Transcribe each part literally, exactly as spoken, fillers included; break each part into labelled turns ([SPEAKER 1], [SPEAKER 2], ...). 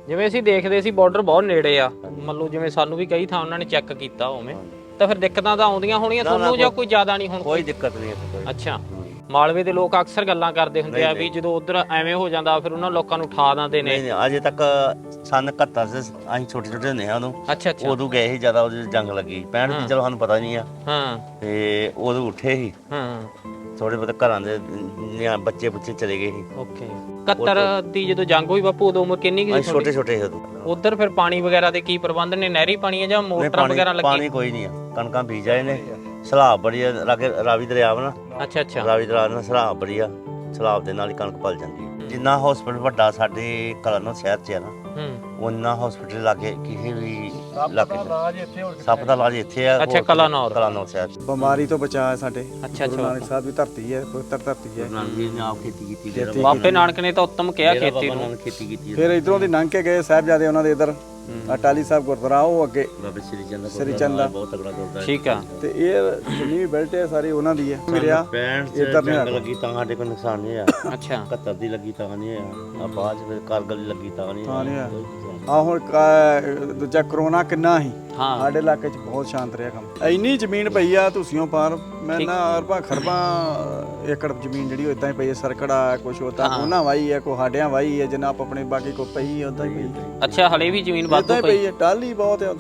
[SPEAKER 1] ਜਿਵੇਂ ਅਸੀਂ ਦੇਖਦੇ ਸੀ ਬਾਰਡਰ ਬਹੁਤ ਨੇੜੇ ਆ, ਮੰਨ ਲਓ ਜਿਵੇਂ ਸਾਨੂੰ ਵੀ ਕਈ ਥਾਂ ਉਹਨਾਂ ਨੇ ਚੈੱਕ ਕੀਤਾ ਉਵੇਂ, ਤਾਂ ਫਿਰ ਦਿੱਕਤਾਂ ਤਾਂ ਆਉਂਦੀਆਂ ਹੋਣੀਆਂ ਤੁਹਾਨੂੰ ਜਾਂ ਕੋਈ ਜ਼ਿਆਦਾ ਨਹੀਂ ਹੁਣ?
[SPEAKER 2] ਕੋਈ ਦਿੱਕਤ ਨਹੀਂ ਇੱਥੇ ਕੋਈ।
[SPEAKER 1] ਅੱਛਾ, ਮਾਲਵੇ ਦੇ ਲੋਕ ਅਕਸਰ ਗੱਲਾਂ ਕਰਦੇ ਹੁੰਦੇ ਆ ਵੀ ਜਦੋਂ ਉਧਰ ਐਵੇਂ ਹੋ ਜਾਂਦਾ ਫਿਰ ਉਹਨਾਂ ਲੋਕਾਂ ਨੂੰ ਉਠਾ ਦਿੰਦੇ ਨੇ।
[SPEAKER 2] ਨਹੀਂ ਨਹੀਂ ਅਜੇ ਤੱਕ ਸਨ ਇਕਹੱਤਰ ਚ ਅਸੀਂ ਛੋਟੇ ਛੋਟੇ ਹੁੰਦੇ ਹਾਂ ਉਦੋਂ।
[SPEAKER 1] ਅੱਛਾ ਅੱਛਾ।
[SPEAKER 2] ਉਦੋਂ ਗਏ ਸੀ ਜ਼ਿਆਦਾ, ਉਦੋਂ ਜੰਗ ਲੱਗੀ ਪੈਂਹਠ ਦੀ, ਚਲੋ ਸਾਨੂੰ ਪਤਾ ਨਹੀਂ ਆ।
[SPEAKER 1] ਹਾਂ।
[SPEAKER 2] ਤੇ ਉਦੋਂ ਉੱਠੇ ਸੀ
[SPEAKER 1] ਹਾਂ।
[SPEAKER 2] ਥੋੜੇ ਬਹੁਤੇ ਘਰਾਂ ਦੇ ਨਿਆ ਬੱਚੇ ਬੁੱਚੇ ਚਲੇ ਗਏ ਸੀ।
[SPEAKER 1] ਓਕੇ। ਇਕਹੱਤਰ ਦੀ ਜਦੋਂ ਜੰਗ ਹੋਈ ਬਾਪੂ ਉਦੋਂ ਉਮਰ ਕਿੰਨੀ ਸੀ?
[SPEAKER 2] ਛੋਟੇ ਛੋਟੇ ਸੀ ਉਦੋਂ।
[SPEAKER 1] ਉਧਰ ਫਿਰ ਪਾਣੀ ਵਗੈਰਾ ਦੇ ਕੀ ਪ੍ਰਬੰਧ ਨੇ? ਨਹਿਰੀ ਪਾਣੀ ਹੈ ਜਾਂ ਮੋਟਰਾਂ ਵਗੈਰਾ ਲੱਗੀ?
[SPEAKER 2] ਪਾਣੀ ਕੋਈ ਨਹੀਂ ਆ, ਕਣਕਾਂ ਬੀਜ ਆਏ ਨੇ। ਸਲਾਬ ਬੜੀ ਆ ਲਾਗੇ, ਰਾਵੀ ਦਰਿਆ ਵਾ ਨਾ।
[SPEAKER 1] ਅੱਛਾ ਅੱਛਾ।
[SPEAKER 2] ਰਾਵੀ ਦਰਿਆ ਨਾਲ ਸਲਾਬ ਬੜੀ ਆ, ਸਲਾਬ ਦੇ ਨਾਲ ਹੀ ਕਣਕ ਪਲ ਜਾਂਦੀ ਹੈ। ਜਿੰਨਾ ਹਸਪੀਟਲ ਵੱਡਾ ਸਾਡੇ ਕਲਾਨੌਰ ਸ਼ਹਿਰ 'ਚ ਹੈ ਨਾ, ਉਹਨਾਂ ਹਸਪੀਟਲ ਲਾਗੇ ਕਿਸੇ ਵੀ ਇਲਾਕੇ ਸੱਪ ਦਾ ਇਲਾਜ ਇੱਥੇ ਆ।
[SPEAKER 1] ਅੱਛਾ, ਕਲਾਨੌਰ
[SPEAKER 2] ਕਲਾਨੌਰ ਸ਼ਹਿਰ 'ਚ
[SPEAKER 3] ਬਿਮਾਰੀ ਤੋਂ ਬਚਾ ਸਾਡੇ।
[SPEAKER 1] ਅੱਛਾ ਅੱਛਾ।
[SPEAKER 3] ਗੁਰੂ ਨਾਨਕ ਸਾਹਿਬ ਦੀ ਧਰਤੀ ਹੈ, ਪਵਿੱਤਰ ਧਰਤੀ ਹੈ।
[SPEAKER 2] ਨਾਨਕ ਜੀ ਨੇ ਆਪ ਖੇਤੀ ਕੀਤੀ,
[SPEAKER 1] ਬਾਪੇ ਨਾਨਕ ਨੇ ਤਾਂ ਉੱਤਮ ਕਿਹਾ ਖੇਤੀ ਨੂੰ।
[SPEAKER 2] ਖੇਤੀ ਕੀਤੀ।
[SPEAKER 3] ਫਿਰ ਇਧਰੋਂ ਦੀ ਲੰਘ ਕੇ ਗਏ ਸਾਹਿਬਜ਼ਾਦੇ ਉਹਨਾਂ ਦੇ ਇਧਰ ਅਟਾਲੀ ਸਾਹਿਬ ਗੁਰਦੁਆਰਾ, ਉਹ ਅੱਗੇ
[SPEAKER 2] ਬਾਬਾ ਸ੍ਰੀ ਚੰਦ
[SPEAKER 3] ਸ੍ਰੀ ਚੰਦ ਦਾ
[SPEAKER 2] ਬਹੁਤ ਤਗੜਾ ਗੁਰਦੁਆਰਾ।
[SPEAKER 1] ਠੀਕ ਆ।
[SPEAKER 3] ਤੇ ਇਹ ਜਿੰਨੀ ਵੀ ਬੈਲਟ ਹੈ ਸਾਰੀ ਉਹਨਾਂ ਦੀ ਹੈ। ਮਿਲਿਆ
[SPEAKER 2] ਪੈਂਹਠ ਚ
[SPEAKER 3] ਇੱਧਰ
[SPEAKER 2] ਜੰਗ ਲੱਗੀ ਤਾਂ ਸਾਡੇ ਕੋਲ ਨੁਕਸਾਨ ਨਹੀਂ ਹੋਇਆ।
[SPEAKER 1] ਅੱਛਾ।
[SPEAKER 2] ਇਕਹੱਤਰ ਦੀ ਲੱਗੀ ਤਾਂ ਨਹੀਂ ਹੋਇਆ। ਆ ਬਾਅਦ ਚ ਫਿਰ ਕਾਰਗਲ ਦੀ ਲੱਗੀ ਤਾਂ ਨਹੀਂ
[SPEAKER 3] ਤਾਂ ਨਹੀਂ
[SPEAKER 2] ਹੋਇਆ।
[SPEAKER 3] ਆ। ਆ ਹੁਣ ਕਾ- ਦੂਜਾ ਕਰੋਨਾ ਕਿੰਨਾ ਸੀ
[SPEAKER 1] ਹਾਂ।
[SPEAKER 3] ਸਾਡੇ ਇਲਾਕੇ 'ਚ ਬਹੁਤ ਸ਼ਾਂਤ ਰਿਹਾ ਕੰਮ। ਇੰਨੀ ਜ਼ਮੀਨ ਪਈ ਆ ਤੁਸੀਂੋਂ ਪਾਰ, ਮੈਂ ਨਾ ਅਰਬਾਂ ਖਰਬਾਂ ਏਕੜ ਜ਼ਮੀਨ ਜਿਹੜੀ ਉਹ ਇਦਾਂ ਹੀ ਪਈ ਹੈ। ਸਰਕੜਾ ਕੁਛ ਹੋਤਾ ਉਹਨਾਂ ਵਾਈ ਹੈ, ਕੋ ਹਾਡਿਆਂ ਵਾਈ ਹੈ, ਜਿੰਨਾ ਆਪ ਆਪਣੇ ਬਾਕੀ ਕੋ ਪਈ ਉਦਾਂ ਹੀ ਪਈ।
[SPEAKER 1] ਅੱਛਾ, ਹਲੇ ਵੀ ਜ਼ਮੀਨ ਵਾਧੂ
[SPEAKER 3] ਇਦਾਂ ਹੀ ਪਈ ਹੈ, ਟਾਲੀ ਬਹੁਤ ਹੈ ਉਦਾਂ।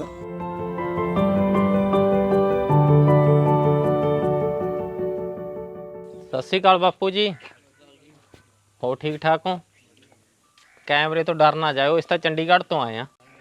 [SPEAKER 1] ਸਤਿ ਸ਼੍ਰੀ ਅਕਾਲ ਬਾਪੂ ਜੀ, ਹੋ ਠੀਕ ਠਾਕ ਹੋ? ਕੈਮਰੇ ਤੋਂ ਡਰ ਨਾ ਜਾਇਓ, ਇਸ ਤਾਂ ਚੰਡੀਗੜ੍ਹ ਤੋਂ ਆਏ ਆ।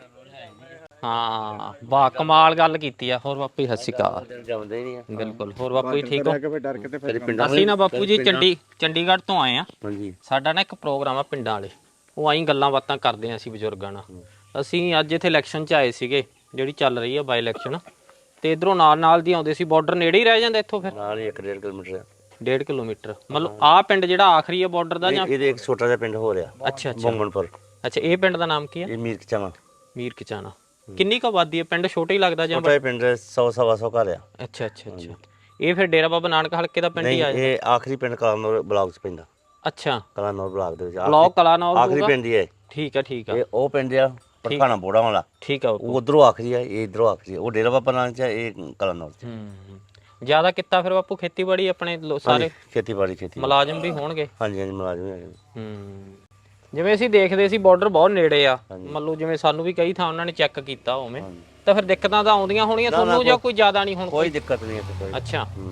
[SPEAKER 1] ਹਾਂ, ਬਾ ਕਮਾਲ ਗੱਲ ਕੀਤੀ ਆ। ਹੋਰ ਬਾਪੂ ਜੀ ਸਤਿ ਸ਼੍ਰੀ ਅਕਾਲ।
[SPEAKER 2] ਜਮਦੇ ਨਹੀਂ ਆ
[SPEAKER 1] ਬਿਲਕੁਲ। ਹੋਰ ਬਾਪੂ ਜੀ ਠੀਕ ਹੋ?
[SPEAKER 3] ਡਰ ਕੇ ਤੇ ਫਿਰ
[SPEAKER 1] ਅਸੀਂ ਨਾ ਬਾਪੂ ਜੀ ਚੰਡੀ ਚੰਡੀਗੜ੍ਹ ਤੋਂ ਆਏ ਆ।
[SPEAKER 2] ਹਾਂਜੀ।
[SPEAKER 1] ਸਾਡਾ ਨਾ ਇੱਕ ਪ੍ਰੋਗਰਾਮ ਆ ਪਿੰਡਾਂ ਵਾਲੇ, ਉਹ ਆਈ ਗੱਲਾਂ ਬਾਤਾਂ ਕਰਦੇ ਆ ਅਸੀਂ ਬਜ਼ੁਰਗਾਂ ਨਾਲ। ਅਸੀਂ ਅੱਜ ਇੱਥੇ ਇਲੈਕਸ਼ਨ 'ਚ ਆਏ ਸੀਗੇ, ਜਿਹੜੀ ਚੱਲ ਰਹੀ ਆ ਬਾਈ ਇਲੈਕਸ਼ਨ, ਤੇ ਇਧਰੋਂ ਨਾਲ ਨਾਲ ਦੀ ਆਉਂਦੇ ਸੀ। ਬਾਰਡਰ ਨੇੜੇ ਹੀ ਰਹਿ ਜਾਂਦਾ ਇੱਥੋਂ ਫਿਰ?
[SPEAKER 2] ਨਾਲ ਹੀ ਇੱਕ ਡੇਢ ਕਿਲੋਮੀਟਰ।
[SPEAKER 1] ਡੇਢ ਕਿਲੋਮੀਟਰ ਮਤਲਬ ਆਹ ਪਿੰਡ ਜਿਹੜਾ ਆਖਰੀ ਹੈ ਬਾਰਡਰ ਦਾ ਜਾਂ?
[SPEAKER 2] ਇਹਦੇ ਇੱਕ ਛੋਟਾ ਜਿਹਾ ਪਿੰਡ ਹੋ ਰਿਹਾ।
[SPEAKER 1] ਅੱਛਾ ਅੱਛਾ।
[SPEAKER 2] ਬੰਗਣਪੁਰ।
[SPEAKER 1] ਅੱਛਾ, ਇਹ ਪਿੰਡ ਦਾ ਨਾਮ ਕੀ ਹੈ?
[SPEAKER 2] ਇਹ ਮੀਰ ਕਚਾਣਾ।
[SPEAKER 1] ਮੀਰ ਕਚਾਣਾ। ਕਿੰਨੀ ਕੁ ਆਬਾਦੀ ਹੈ? ਪਿੰਡ ਛੋਟਾ ਹੀ ਲੱਗਦਾ ਜਾਂ?
[SPEAKER 2] ਛੋਟਾ ਹੀ ਪਿੰਡ, ਸੌ ਸਵਾ ਸੌ ਘਰ ਆ।
[SPEAKER 1] ਅੱਛਾ ਅੱਛਾ ਅੱਛਾ। ਇਹ ਫਿਰ ਡੇਰਾ ਬਾਬਾ ਨਾਨਕ ਹਲਕੇ ਦਾ ਪਿੰਡ ਹੀ ਆ?
[SPEAKER 2] ਇਹ ਆਖਰੀ ਪਿੰਡ ਕਲਾਨੌਰ ਬਲਾਕ 'ਚ ਪੈਂਦਾ।
[SPEAKER 1] ਅੱਛਾ,
[SPEAKER 2] ਕਲਾਨੌਰ ਬਲਾਕ ਦੇ ਵਿੱਚ
[SPEAKER 1] ਬਲਾਕ ਕਲਾਨੌਰ
[SPEAKER 2] ਆਖਰੀ ਪਿੰਡ ਹੀ ਹੈ।
[SPEAKER 1] ਠੀਕ ਆ ਠੀਕ ਆ।
[SPEAKER 2] ਇਹ ਉਹ ਪਿੰਡ ਆ ਪਠਾਣਾ ਬੋੜਾ ਵਾਲਾ।
[SPEAKER 1] ਠੀਕ ਆ।
[SPEAKER 2] ਉਧਰੋਂ ਆਖਰੀ ਆ, ਇਹ ਇਧਰੋਂ ਆਖਰੀ ਆ। ਉਹ ਡੇਰਾ ਬਾਬਾ ਨਾਨਕ 'ਚ, ਇਹ ਕਲਾਨੌਰ 'ਚ।
[SPEAKER 1] ਹੂੰ। ਜ਼ਿਆਦਾ ਕੀਤਾ ਫਿਰ ਬਾਪੂ ਖੇਤੀਬਾੜੀ ਆਪਣੇ ਸਾਰੇ?
[SPEAKER 2] ਖੇਤੀਬਾੜੀ ਖੇਤੀ
[SPEAKER 1] ਮੁਲਾਜ਼ਮ ਵੀ ਹੋਣਗੇ?
[SPEAKER 2] ਹਾਂਜੀ ਹਾਂਜੀ, ਮੁਲਾਜ਼ਮ ਹੈਗੇ।
[SPEAKER 1] ਹੂੰ। ਜਿਵੇਂ ਅਸੀਂ ਦੇਖਦੇ ਸੀ ਬਾਰਡਰ ਬਹੁਤ ਨੇੜੇ ਆ, ਮੰਨ ਲਓ ਜਿਵੇਂ ਸਾਨੂੰ ਵੀ ਕਈ ਥਾਂ ਉਹਨਾਂ ਨੇ ਚੈੱਕ ਕੀਤਾ ਉਵੇਂ, ਤਾਂ ਫਿਰ ਦਿੱਕਤਾਂ ਤਾਂ ਆਉਂਦੀਆਂ ਹੋਣੀਆਂ ਤੁਹਾਨੂੰ ਜਾਂ ਕੋਈ ਜ਼ਿਆਦਾ ਨਹੀਂ ਹੁਣ?
[SPEAKER 2] ਕੋਈ ਦਿੱਕਤ ਨਹੀਂ ਇੱਥੇ ਕੋਈ।
[SPEAKER 1] ਅੱਛਾ। ਹੂੰ।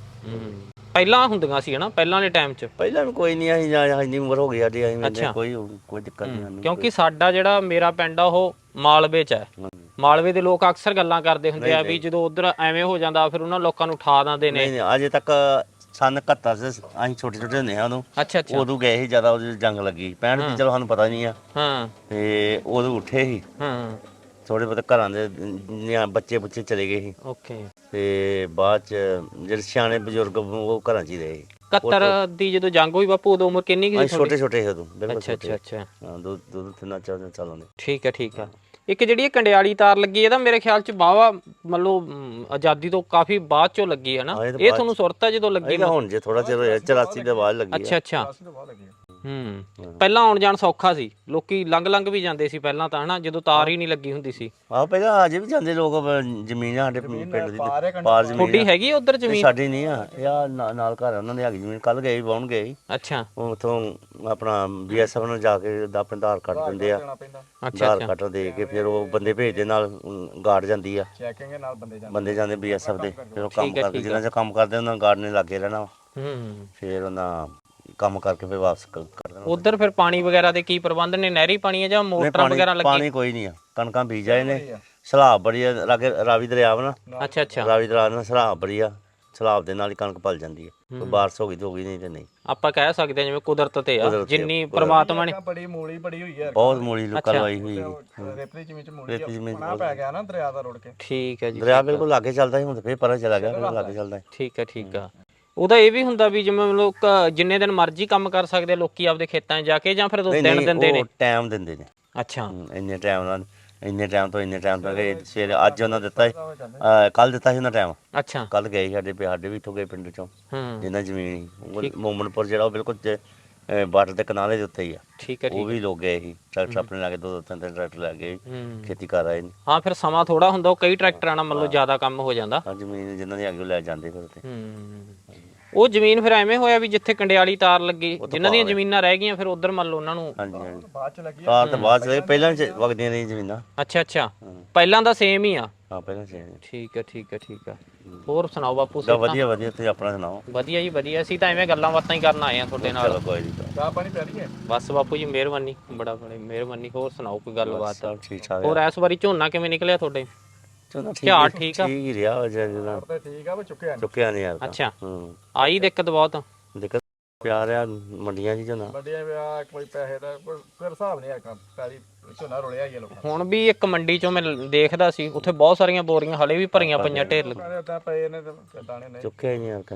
[SPEAKER 1] ਪਹਿਲਾਂ ਹੁੰਦੀਆਂ ਸੀ ਹਨਾ, ਪਹਿਲਾਂ ਦੇ ਟਾਈਮ 'ਚ?
[SPEAKER 2] ਪਹਿਲਾਂ ਵੀ ਕੋਈ ਨਹੀਂ, ਅਸੀਂ ਜਾਂ ਇੰਨੀ ਉਮਰ ਹੋ ਗਈ ਸਾਡੀ, ਅਸੀਂ ਕੋਈ ਕੋਈ ਦਿੱਕਤ ਨਹੀਂ।
[SPEAKER 1] ਕਿਉਂਕਿ ਸਾਡਾ ਜਿਹੜਾ ਮੇਰਾ ਪਿੰਡ ਆ ਉਹ ਮਾਲਵੇ 'ਚ ਹੈ। ਮਾਲਵੇ ਦੇ ਲੋਕ ਅਕਸਰ ਗੱਲਾਂ ਕਰਦੇ ਹੁੰਦੇ ਆ ਵੀ ਜਦੋਂ ਉਧਰ ਐਵੇਂ ਹੋ ਜਾਂਦਾ ਫਿਰ ਉਹਨਾਂ ਲੋਕਾਂ ਨੂੰ ਉਠਾ ਦਿੰਦੇ ਨੇ।
[SPEAKER 2] ਨਹੀਂ ਅਜੇ ਤੱਕ ਸਨ ਇਕਹੱਤਰ ਚ ਅਸੀਂ ਛੋਟੇ ਛੋਟੇ ਹੁੰਦੇ ਹਾਂ ਉਦੋਂ।
[SPEAKER 1] ਅੱਛਾ ਅੱਛਾ।
[SPEAKER 2] ਉਦੋਂ ਗਏ ਸੀ ਜ਼ਿਆਦਾ, ਉਦੋਂ ਜੰਗ ਲੱਗੀ ਪੈਂਹਠ ਦੀ, ਚਲੋ ਸਾਨੂੰ ਪਤਾ ਨਹੀਂ ਆ।
[SPEAKER 1] ਹਾਂ।
[SPEAKER 2] ਤੇ ਉਦੋਂ ਉੱਠੇ ਸੀ
[SPEAKER 1] ਹਾਂ।
[SPEAKER 2] ਥੋੜੇ ਬਹੁਤੇ ਘਰਾਂ ਦੇ ਨਿਆ ਬੱਚੇ ਬੁੱਚੇ ਚਲੇ ਗਏ ਸੀ।
[SPEAKER 1] ਓਕੇ।
[SPEAKER 2] ਤੇ ਬਾਅਦ ਚ ਜਿਹੜੇ ਸਿਆਣੇ ਬਜ਼ੁਰਗ ਉਹ ਘਰਾਂ 'ਚ ਹੀ ਰਹੇ।
[SPEAKER 1] ਇਕਹੱਤਰ ਦੀ ਜਦੋਂ ਜੰਗ ਹੋਈ ਬਾਪੂ ਉਦੋਂ ਉਮਰ ਕਿੰਨੀ ਸੀ?
[SPEAKER 2] ਛੋਟੇ ਛੋਟੇ ਸੀ ਉਦੋਂ, ਬਿਲਕੁਲ
[SPEAKER 1] ਅੱਛਾ ਅੱਛਾ ਅੱਛਾ।
[SPEAKER 2] ਹਾਂ, ਦੋ ਦੋ ਤਿੰਨ ਚਾਰ ਸਾਲਾਂ ਦੇ।
[SPEAKER 1] ਠੀਕ ਹੈ ਠੀਕ ਆ। ਇੱਕ ਜਿਹੜੀ ਇਹ ਕੰਡਿਆਲੀ ਤਾਰ ਲੱਗੀ ਇਹਦਾ ਮੇਰੇ ਖਿਆਲ ਚ ਬਾਵਾ ਮਤਲਬ ਆਜ਼ਾਦੀ ਤੋਂ ਕਾਫੀ ਬਾਅਦ ਚੋਂ ਲੱਗੀ ਹੈ ਨਾ? ਇਹ ਤੁਹਾਨੂੰ ਸੁਰਤ ਹੈ ਜਦੋਂ ਲੱਗੀ?
[SPEAKER 2] ਹੁਣ ਜੇ ਥੋੜਾ ਚਿਰ ਹੋਇਆ, ਚੁਰਾਸੀ ਦੇ ਬਾਅਦ ਲੱਗੀ।
[SPEAKER 1] ਅੱਛਾ ਅੱਛਾ। ਹੂੰ। ਪਹਿਲਾਂ ਆਉਣ ਜਾਣ ਸੌਖਾ ਸੀ, ਲੋਕੀ ਲੰਘ ਲੰਘ ਵੀ ਜਾਂਦੇ ਸੀ ਪਹਿਲਾਂ ਤਾਂ ਹਨਾ, ਜਦੋਂ ਤਾਰ ਹੀ ਨਹੀਂ ਲੱਗੀ ਹੁੰਦੀ ਸੀ।
[SPEAKER 2] ਆਹ ਪਹਿਲਾਂ ਅਜੇ ਵੀ ਜਾਂਦੇ ਲੋਕ, ਜ਼ਮੀਨ ਸਾਡੇ ਪਿੰਡ ਦੀ ਪਾਰ ਜ਼ਮੀਨ।
[SPEAKER 1] ਥੋੜੀ ਹੈਗੀ ਉਧਰ ਜ਼ਮੀਨ?
[SPEAKER 2] ਸਾਡੀ ਨਹੀਂ ਆ, ਇਹ ਆ ਨਾਲ ਘਰ ਉਹਨਾਂ ਦੇ ਹੈਗੀ ਜ਼ਮੀਨ। ਕੱਲ ਗਏ ਵਾਹੁਣ ਗਏ।
[SPEAKER 1] ਅੱਛਾ।
[SPEAKER 2] ਉਥੋਂ ਆਪਣਾ ਬੀਐਸਐਫ ਨੂੰ ਜਾ ਕੇ ਆਪਣੇ ਆਧਾਰ ਕਾਰਡ ਦਿੰਦੇ ਆ, ਆਧਾਰ ਕਾਰਡ ਦੇ ਕੇ ਫਿਰ ਉਹ ਬੰਦੇ ਭੇਜਦੇ, ਨਾਲ ਗਾਰਡ ਜਾਂਦੀ ਆ, ਬੰਦੇ ਜਾਂਦੇ ਬੀਐਸਐਫ ਦੇ। ਫਿਰ ਉਹ ਕੰਮ ਕਰਕੇ, ਜਿੰਨਾ ਚਿਰ ਕੰਮ ਕਰਦੇ ਉਹਨਾਂ ਗਾਰਡ ਨੇ ਲੱਗੇ ਰਹਿਣਾ।
[SPEAKER 1] ਹੂੰ।
[SPEAKER 2] ਫਿਰ ਉਹਨਾਂ ਕੰਮ ਕਰਕੇ ਫਿਰ ਵਾਪਸ ਕਰ ਦੇਣਾ।
[SPEAKER 1] ਉਧਰ ਫਿਰ ਪਾਣੀ ਵਗੈਰਾ ਦੇ ਕੀ ਪ੍ਰਬੰਧ ਨੇ? ਨਹਿਰੀ ਪਾਣੀ ਹੈ ਜਾਂ ਮੋਟਰਾਂ ਵਗੈਰਾ ਲੱਗੀ?
[SPEAKER 2] ਪਾਣੀ ਕੋਈ ਨਹੀਂ ਆ, ਕਣਕਾਂ ਬੀਜ ਆਏ ਨੇ। ਸਲਾਬ ਬੜੀ ਆ ਲਾਗੇ, ਰਾਵੀ ਦਰਿਆ ਵਾ ਨਾ।
[SPEAKER 1] ਅੱਛਾ ਅੱਛਾ।
[SPEAKER 2] ਰਾਵੀ ਦਰਿਆ ਨਾਲ ਸਲਾਬ ਬੜੀ ਆ, ਸਲਾਬ ਦੇ ਨਾਲ ਹੀ ਕਣਕ ਪਲ ਜਾਂਦੀ ਹੈ। ਕੋਈ ਬਾਰਿਸ਼ ਹੋ ਗਈ ਤਾਂ ਹੋ ਗਈ, ਨਹੀਂ ਤੇ ਨਹੀਂ। ਆਪਾਂ
[SPEAKER 1] ਕਹਿ ਸਕਦੇ ਹਾਂ ਜਿਵੇਂ ਕੁਦਰਤ ਤੇ ਆ, ਜਿੰਨੀ ਪ੍ਰਮਾਤਮਾ ਨੇ।
[SPEAKER 3] ਬੜੀ ਮੂਲੀ ਬੜੀ ਹੋਈ ਹੈ,
[SPEAKER 2] ਬਹੁਤ ਮੂਲੀ ਲੋਕਾਂ ਲਵਾਈ ਹੋਈ ਹੈ।
[SPEAKER 3] ਰੇਤਲੀ ਜ਼ਮੀਨ ਚ ਮੂਲੀ ਬਣਾ ਪੈ ਗਿਆ ਨਾ ਦਰਿਆ ਦਾ ਰੁੜ ਕੇ।
[SPEAKER 1] ਠੀਕ ਹੈ ਜੀ।
[SPEAKER 2] ਦਰਿਆ ਬਿਲਕੁਲ ਲਾਗੇ ਚੱਲਦਾ ਸੀ, ਹੁਣ ਤਾਂ ਫੇਰ ਪਰਾਂ ਚਲਾ ਗਿਆ, ਬਿਲਕੁਲ ਲਾਗੇ ਚੱਲਦਾ।
[SPEAKER 1] ਠੀਕ ਹੈ ਠੀਕ ਆ। ਉਹਦਾ ਇਹ ਵੀ ਹੁੰਦਾ ਵੀ ਜਿਵੇਂ ਲੋਕ ਜਿੰਨੇ ਦਿਨ ਮਰਜ਼ੀ ਕੰਮ ਕਰ ਸਕਦੇ ਆ ਲੋਕੀ ਆਪਦੇ ਖੇਤਾਂ 'ਚ ਜਾ ਕੇ, ਜਾਂ ਫਿਰ ਦੋ ਦਿਨ ਦਿੰਦੇ ਨੇ?
[SPEAKER 2] ਟਾਈਮ ਦਿੰਦੇ ਨੇ।
[SPEAKER 1] ਅੱਛਾ।
[SPEAKER 2] ਇੰਨੇ ਟਾਈਮ ਨਾਲ, ਇੰਨੇ ਟਾਈਮ ਤੋਂ ਇੰਨੇ ਟਾਈਮ ਤੱਕ। ਸਵੇਰੇ ਅੱਜ ਉਹਨਾਂ ਦਿੱਤਾ, ਕੱਲ ਦਿੱਤਾ ਸੀ ਉਹਨਾਂ ਟਾਈਮ।
[SPEAKER 1] ਅੱਛਾ।
[SPEAKER 2] ਕੱਲ ਗਏ ਸਾਡੇ ਸਾਡੇ ਵੀ ਇੱਥੋਂ ਗਏ ਪਿੰਡ ਚੋਂ, ਜਿੰਨਾ ਜ਼ਮੀਨ ਸੀ। ਮੋਮਨਪੁਰ ਜਿਹੜਾ ਉਹ ਬਿਲਕੁਲ ਬਾਰਡਰ ਦੇ ਕਿਨਾਰੇ ਦੇ ਉੱਤੇ ਹੀ ਆ।
[SPEAKER 1] ਠੀਕ ਹੈ
[SPEAKER 2] ਉਹ ਵੀ ਲੋਕ ਗਏ ਸੀ ਟਰੈਕਟਰ ਆਪਣੇ ਲੈ ਕੇ, ਦੋ ਦੋ ਤਿੰਨ ਤਿੰਨ ਟਰੈਕਟਰ ਲੈ ਗਏ,
[SPEAKER 1] ਹੂੰ
[SPEAKER 2] ਖੇਤੀ ਕਰ ਆਏ ਨੇ।
[SPEAKER 1] ਹਾਂ ਫਿਰ ਸਮਾਂ ਥੋੜਾ ਹੁੰਦਾ, ਉਹ ਕਈ ਟਰੈਕਟਰਾਂ ਨਾਲ ਮਤਲਬ ਜ਼ਿਆਦਾ ਕੰਮ ਹੋ ਜਾਂਦਾ।
[SPEAKER 2] ਹਾਂ ਜ਼ਮੀਨ ਜਿਨ੍ਹਾਂ ਦੀ ਅੱਗੇ ਲੈ ਜਾਂਦੇ ਫਿਰ ਤੇ।
[SPEAKER 1] ਹੂੰ ਉਹ ਜ਼ਮੀਨ ਫਿਰ ਐਵੇਂ ਹੋਇਆ ਵੀ ਜਿੱਥੇ ਕੰਡਿਆਲੀ ਤਾਰ ਲੱਗੀ, ਜਿਨ੍ਹਾਂ ਦੀਆਂ ਜ਼ਮੀਨਾਂ ਰਹਿ ਗਈਆਂ ਫਿਰ ਉਧਰ ਮੰਨ ਲਓ ਉਹਨਾਂ ਨੂੰ।
[SPEAKER 2] ਹਾਂਜੀ ਹਾਂਜੀ ਬਾਅਦ ਚ ਲੱਗੀ ਤਾਰ ਤਾਂ ਬਾਅਦ ਚ ਲੱਗੀ, ਪਹਿਲਾਂ ਚ ਵਗਦੀਆਂ ਰਹੀਆਂ ਜ਼ਮੀਨਾਂ।
[SPEAKER 1] ਅੱਛਾ ਅੱਛਾ ਪਹਿਲਾਂ ਦਾ ਸੇਮ ਹੀ ਆ।
[SPEAKER 2] ਹਾਂ ਪਹਿਲਾਂ ਸੇਮ।
[SPEAKER 1] ਠੀਕ ਹੈ ਠੀਕ ਹੈ ਠੀਕ ਹੈ। ਹੋਰ ਸੁਣਾਓ ਬਾਪੂ?
[SPEAKER 2] ਦਾ ਵਧੀਆ ਵਧੀਆ, ਤੁਸੀਂ ਆਪਣਾ ਸੁਣਾਓ? ਵਧੀਆ
[SPEAKER 1] ਜੀ ਵਧੀਆ, ਅਸੀਂ ਤਾਂ ਐਵੇਂ ਗੱਲਾਂ ਬਾਤਾਂ ਹੀ ਕਰਨ ਆਏ ਆ ਤੁਹਾਡੇ ਨਾਲ।
[SPEAKER 2] ਚਲੋ ਕੋਈ ਨਹੀਂ, ਚਾਹ ਪਾਣੀ ਪੈ ਰਹੀ ਹੈ
[SPEAKER 1] ਬਸ ਬਾਪੂ ਜੀ ਮਿਹਰਬਾਨੀ, ਬੜਾ ਬੜੀ ਮਿਹਰਬਾਨੀ। ਹੋਰ ਸੁਣਾਓ ਕੋਈ ਗੱਲਬਾਤ?
[SPEAKER 2] ਸਭ ਠੀਕ ਠਾਕ।
[SPEAKER 1] ਹੋਰ ਇਸ ਵਾਰੀ ਝੋਨਾ ਕਿਵੇਂ ਨਿਕਲਿਆ ਤੁਹਾਡੇ?
[SPEAKER 2] ਚਲੋ
[SPEAKER 1] ਝਾੜ ਠੀਕ ਆ?
[SPEAKER 2] ਠੀਕ ਹੀ ਰਿਹਾ ਹੋ ਜਿਹੜਾ
[SPEAKER 3] ਠੀਕ ਆ ਵੀ ਚੁੱਕਿਆ ਨਹੀਂ
[SPEAKER 2] ਚੁੱਕਿਆ ਨਹੀਂ ਯਾਰ।
[SPEAKER 1] ਅੱਛਾ
[SPEAKER 2] ਹੂੰ
[SPEAKER 1] ਆਈ ਦਿੱਕਤ ਬਹੁਤ?
[SPEAKER 2] ਦਿੱਕਤ ਪਿਆ ਰਿਹਾ ਮੰਡੀਆਂ 'ਚ ਝੋਨਾ।
[SPEAKER 3] ਵੱਡਿਆ ਵਿਆਹ ਕੋਈ ਪੈਸੇ ਦਾ ਕੋਈ ਫਿਰ ਹਿਸਾਬ ਨਹੀਂ ਹੈਗਾ, ਪੈਰੀ ਝੋਨਾ ਰੁਲਿਆ ਹੀ ਆ ਲੋਕਾਂ
[SPEAKER 1] ਹੁਣ ਵੀ ਇੱਕ ਮੰਡੀ ਚੋਂ ਮੈਂ ਦੇਖਦਾ ਸੀ, ਉੱਥੇ ਬਹੁਤ ਸਾਰੀਆਂ ਬੋਰੀਆਂ ਹਲੇ ਵੀ ਭਰੀਆਂ ਪਈਆਂ ਢੇਰ ਲੱਗ।
[SPEAKER 3] ਦੇ ਉਦਾਂ ਪਏ ਨੇ ਤੇ ਦਾਣੇ ਨਹੀਂ
[SPEAKER 2] ਚੁੱਕਿਆ ਹੀ ਨਹੀਂ ਯਾਰ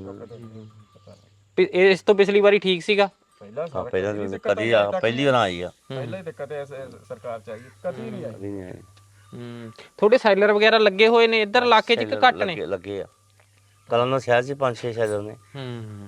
[SPEAKER 2] ਕਹਿੰਦਾ।
[SPEAKER 1] ਇਸ ਤੋਂ ਪਿਛਲੀ ਵਾਰੀ ਠੀਕ ਸੀਗਾ?
[SPEAKER 3] ਪਹਿਲਾਂ
[SPEAKER 2] ਹਾਂ ਪਹਿਲਾਂ ਤਾਂ ਕਦੀ ਆ, ਪਹਿਲੀ ਵਾਰ ਆਈ ਆ।
[SPEAKER 3] ਪਹਿਲਾਂ ਹੀ ਦਿੱਕਤ ਐ ਸਰਕਾਰ ਚ ਆਈ, ਕਦੀ ਨਹੀਂ ਆਈ।
[SPEAKER 2] ਕਦੀ ਨਹੀਂ ਆਈ।
[SPEAKER 1] ਹੂੰ ਤੁਹਾਡੇ ਸੈਲਰ ਵਗੈਰਾ ਲੱਗੇ ਹੋਏ ਨੇ ਇੱਧਰ ਇਲਾਕੇ 'ਚ ਕਿ ਘੱਟ ਨੇ?
[SPEAKER 2] ਲੱਗੇ ਲੱਗੇ ਆ ਕਲਾਂ ਸ਼ਹਿਰ 'ਚ ਪੰਜ ਛੇ ਸ਼ਹਿਰ ਨੇ।
[SPEAKER 1] ਹੂੰ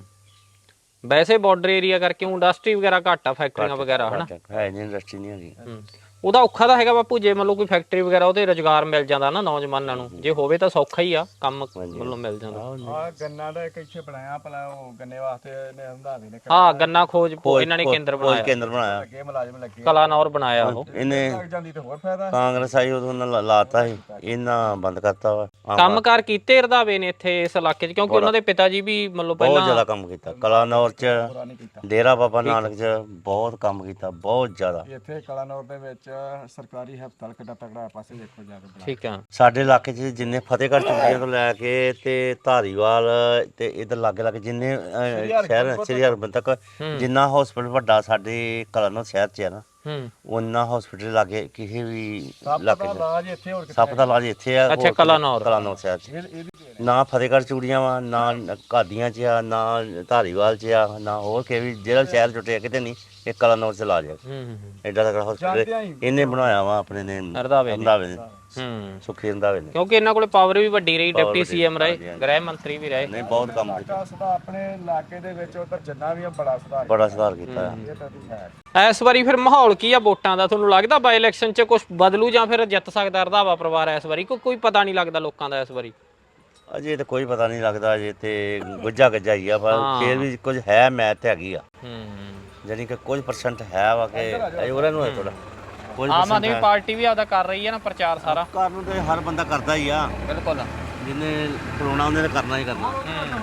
[SPEAKER 1] ਵੈਸੇ ਬਾਰਡਰ ਏਰੀਆ ਕਰਕੇ ਇੰਡਸਟਰੀ ਵਗੈਰਾ ਘੱਟ ਆ, ਫੈਕਟਰੀਆਂ ਵਗੈਰਾ ਹਨਾ
[SPEAKER 2] ਹੈ ਨਹੀਂ, ਇੰਡਸਟਰੀ ਨਹੀਂ ਹੈਗੀ।
[SPEAKER 1] ਉਹਦਾ ਔਖਾ ਤਾਂ ਹੈਗਾ ਬਾਪੂ, ਜੇ ਮੰਨ ਲਓ ਕੋਈ ਫੈਕਟਰੀ ਵਗੈਰਾ ਉਹਦੇ ਰੁਜ਼ਗਾਰ ਮਿਲ ਜਾਂਦਾ ਨਾ ਨੌਜਵਾਨਾਂ ਨੂੰ, ਜੇ ਹੋਵੇ ਤਾਂ ਸੌਖਾ ਹੀ ਆ ਕੰਮ, ਮਤਲਬ ਮਿਲ ਜਾਂਦਾ।
[SPEAKER 3] ਆ ਗੰਨਾ ਦਾ ਇੱਕ ਇੱਥੇ ਬਣਾਇਆ ਭਲਾ, ਉਹ ਗੰਨੇ ਵਾਸਤੇ ਇਹਨੇ ਹੰਦਾਵੇ ਨੇ
[SPEAKER 1] ਹਾਂ ਗੰਨਾ ਖੋਜ ਇਹਨਾਂ ਨੇ ਕੇਂਦਰ
[SPEAKER 2] ਖੋਜ
[SPEAKER 1] ਬਣਾਇਆ,
[SPEAKER 2] ਕੇਂਦਰ ਬਣਾਇਆ,
[SPEAKER 3] ਅੱਗੇ ਮੁਲਾਜ਼ਮ ਲੱਗੇ,
[SPEAKER 1] ਕਲਾਨੌਰ ਬਣਾਇਆ ਉਹ।
[SPEAKER 2] ਇਹਨੇ
[SPEAKER 3] ਲੱਗ ਜਾਂਦੀ ਤੇ ਹੋਰ ਫਾਇਦਾ।
[SPEAKER 2] ਕਾਂਗਰਸ ਆਈ ਉਦੋਂ ਉਹਨਾਂ ਲਾਤਾ ਸੀ, ਇਹਨਾਂ ਬੰਦ ਕਰਤਾ ਵਾ।
[SPEAKER 1] ਕੰਮਕਾਰ ਕੀਤੇ ਰੰਧਾਵੇ ਨੇ ਇੱਥੇ ਇਸ ਇਲਾਕੇ 'ਚ, ਕਿਉਂਕਿ ਉਹਨਾਂ ਦੇ ਪਿਤਾ ਜੀ ਵੀ ਮਤਲਬ
[SPEAKER 2] ਬਹੁਤ
[SPEAKER 1] ਪਹਿਲਾਂ
[SPEAKER 2] ਜ਼ਿਆਦਾ ਕੰਮ ਕੀਤਾ ਕਲਾਨੌਰ 'ਚ, ਡੇਰਾ ਬਾਬਾ ਨਾਨਕ 'ਚ ਬਹੁਤ ਕੰਮ ਕੀਤਾ, ਬਹੁਤ ਜ਼ਿਆਦਾ।
[SPEAKER 3] ਇੱਥੇ ਕਲਾਨੌਰ ਦੇ ਵਿੱਚ ਸਰਕਾਰੀ ਹਸਪਤਾਲ ਕਿੱਡਾ ਤਕੜਾ ਪਾਸੇ ਦੇਖੋ ਜਾ ਕੇ।
[SPEAKER 1] ਠੀਕ ਆ
[SPEAKER 2] ਸਾਡੇ ਇਲਾਕੇ 'ਚ ਜਿੰਨੇ ਫਤਿਹਗੜ੍ਹ ਚੂੜੀਆਂ ਤੋਂ ਲੈ ਕੇ ਤੇ ਧਾਰੀਵਾਲ ਤੇ ਇਧਰ ਲਾਗੇ ਲਾਗੇ ਜਿੰਨੇ ਅਹ, ਸ਼ਹਿਰ ਸ੍ਰੀ ਹਰਿਮੰਦਰ ਤੱਕ ਜਿੰਨਾ ਹਸਪੀਟਲ ਵੱਡਾ ਸਾਡੇ ਕਲਾਨੌਰ ਸ਼ਹਿਰ 'ਚ ਹੈ ਨਾ,
[SPEAKER 1] ਹੂੰ
[SPEAKER 2] ਉਹਨਾਂ ਹਸਪੀਟਲ ਲਾਗੇ ਕਿਸੇ ਵੀ ਇਲਾਕੇ 'ਚ
[SPEAKER 3] ਇਲਾਜ ਇੱਥੇ ਹੋਰ
[SPEAKER 2] ਸੱਪ ਦਾ ਇਲਾਜ ਇੱਥੇ ਆ।
[SPEAKER 1] ਅੱਛਾ ਕਲਾਨੌਰ
[SPEAKER 2] ਕਲਾਨੌਰ ਸ਼ਹਿਰ 'ਚ ਨਾ ਫਤਿਹਗੜ੍ਹ ਚੂੜੀਆਂ ਵਾ, ਨਾ ਘਾਦੀਆਂ 'ਚ ਆ, ਨਾ ਧਾਰੀਵਾਲ 'ਚ ਆ, ਨਾ ਹੋਰ ਕਿਸੇ ਵੀ ਜਿਹੜਾ ਸ਼ਹਿਰ ਜੁਟਿਆ ਕਿਤੇ ਨਹੀਂ, ਇਹ ਕਲਾਨੌਰ 'ਚ ਇਲਾਜ ਹੈ।
[SPEAKER 1] ਹੂੰ
[SPEAKER 2] ਐਡਾ ਤਕੜਾ ਹਸਪੀਟਲ ਇਹਨੇ ਬਣਾਇਆ ਵਾ ਆਪਣੇ ਨੇ,
[SPEAKER 1] ਰੰਧਾਵੇ ਨੇ।
[SPEAKER 2] ਰੰਧਾਵੇ ਨੇ,
[SPEAKER 1] ਹੂੰ
[SPEAKER 2] ਸੁਖੀ ਰੰਧਾਵੇ ਨੇ।
[SPEAKER 1] ਕਿਉਂਕਿ ਇਹਨਾਂ ਕੋਲੇ ਪਾਵਰ ਵੀ ਵੱਡੀ ਰਹੀ, ਡਿਪਟੀ ਸੀਐਮ ਰਹੇ, ਗ੍ਰਹਿ ਮੰਤਰੀ ਵੀ ਰਹੇ।
[SPEAKER 2] ਨਹੀਂ ਬਹੁਤ ਕੰਮ ਕੀਤਾ,
[SPEAKER 3] ਸੁਧਾਰ ਆਪਣੇ ਇਲਾਕੇ ਦੇ ਵਿੱਚ ਉਧਰ ਜਿੰਨਾ ਵੀ ਆ ਬੜਾ ਸੁਧਾਰ
[SPEAKER 2] ਬੜਾ ਸੁਧਾਰ ਕੀਤਾ ਹੈ।
[SPEAKER 3] ਇਹ ਤਾਂ ਹੈ।
[SPEAKER 1] ਇਸ ਵਾਰੀ ਫਿਰ ਮਾਹੌਲ ਕੀ ਆ ਵੋਟਾਂ ਦਾ? ਤੁਹਾਨੂੰ ਲੱਗਦਾ ਬਾਈ ਇਲੈਕਸ਼ਨ 'ਚ ਕੁਝ ਬਦਲੂ ਜਾਂ ਫਿਰ ਜਿੱਤ ਸਕਦਾ ਰੰਧਾਵਾ ਪਰਿਵਾਰ ਇਸ ਵਾਰੀ? ਕੋਈ ਕੋਈ ਪਤਾ ਨਹੀਂ ਲੱਗਦਾ ਲੋਕਾਂ ਦਾ ਇਸ ਵਾਰੀ।
[SPEAKER 2] ਅਜੇ ਤਾਂ ਕੋਈ ਪਤਾ ਨਹੀਂ ਲੱਗਦਾ, ਅਜੇ ਤੇ ਗੁੱਜਾ ਗੱਜਾ ਹੀ ਆ, ਪਰ ਫੇਰ ਵੀ ਕੁਝ ਹੈ, ਮੈਥ ਹੈਗੀ ਆ,
[SPEAKER 1] ਹੂੰ
[SPEAKER 2] ਜਾਨੀ ਕਿ ਕੁਝ ਪਰਸੈਂਟ ਹੈ ਵਾ ਕਿ ਅਜੇ ਉਹਨਾਂ ਨੂੰ ਹੈ ਥੋੜਾ ਕੁਝ
[SPEAKER 1] ਆਮ ਆਦਮੀ ਪਾਰਟੀ ਵੀ ਆਦਾ ਕਰ ਰਹੀ ਹੈ ਨਾ ਪ੍ਰਚਾਰ ਸਾਰਾ।
[SPEAKER 2] ਕਰਨ ਤੇ ਹਰ ਬੰਦਾ ਕਰਦਾ ਹੀ ਆ,
[SPEAKER 1] ਬਿਲਕੁਲ
[SPEAKER 2] ਜਿਹਨੇ ਕਰਾਉਣਾ ਉਹਨੇ ਤਾਂ ਕਰਨਾ ਹੀ ਕਰਨਾ।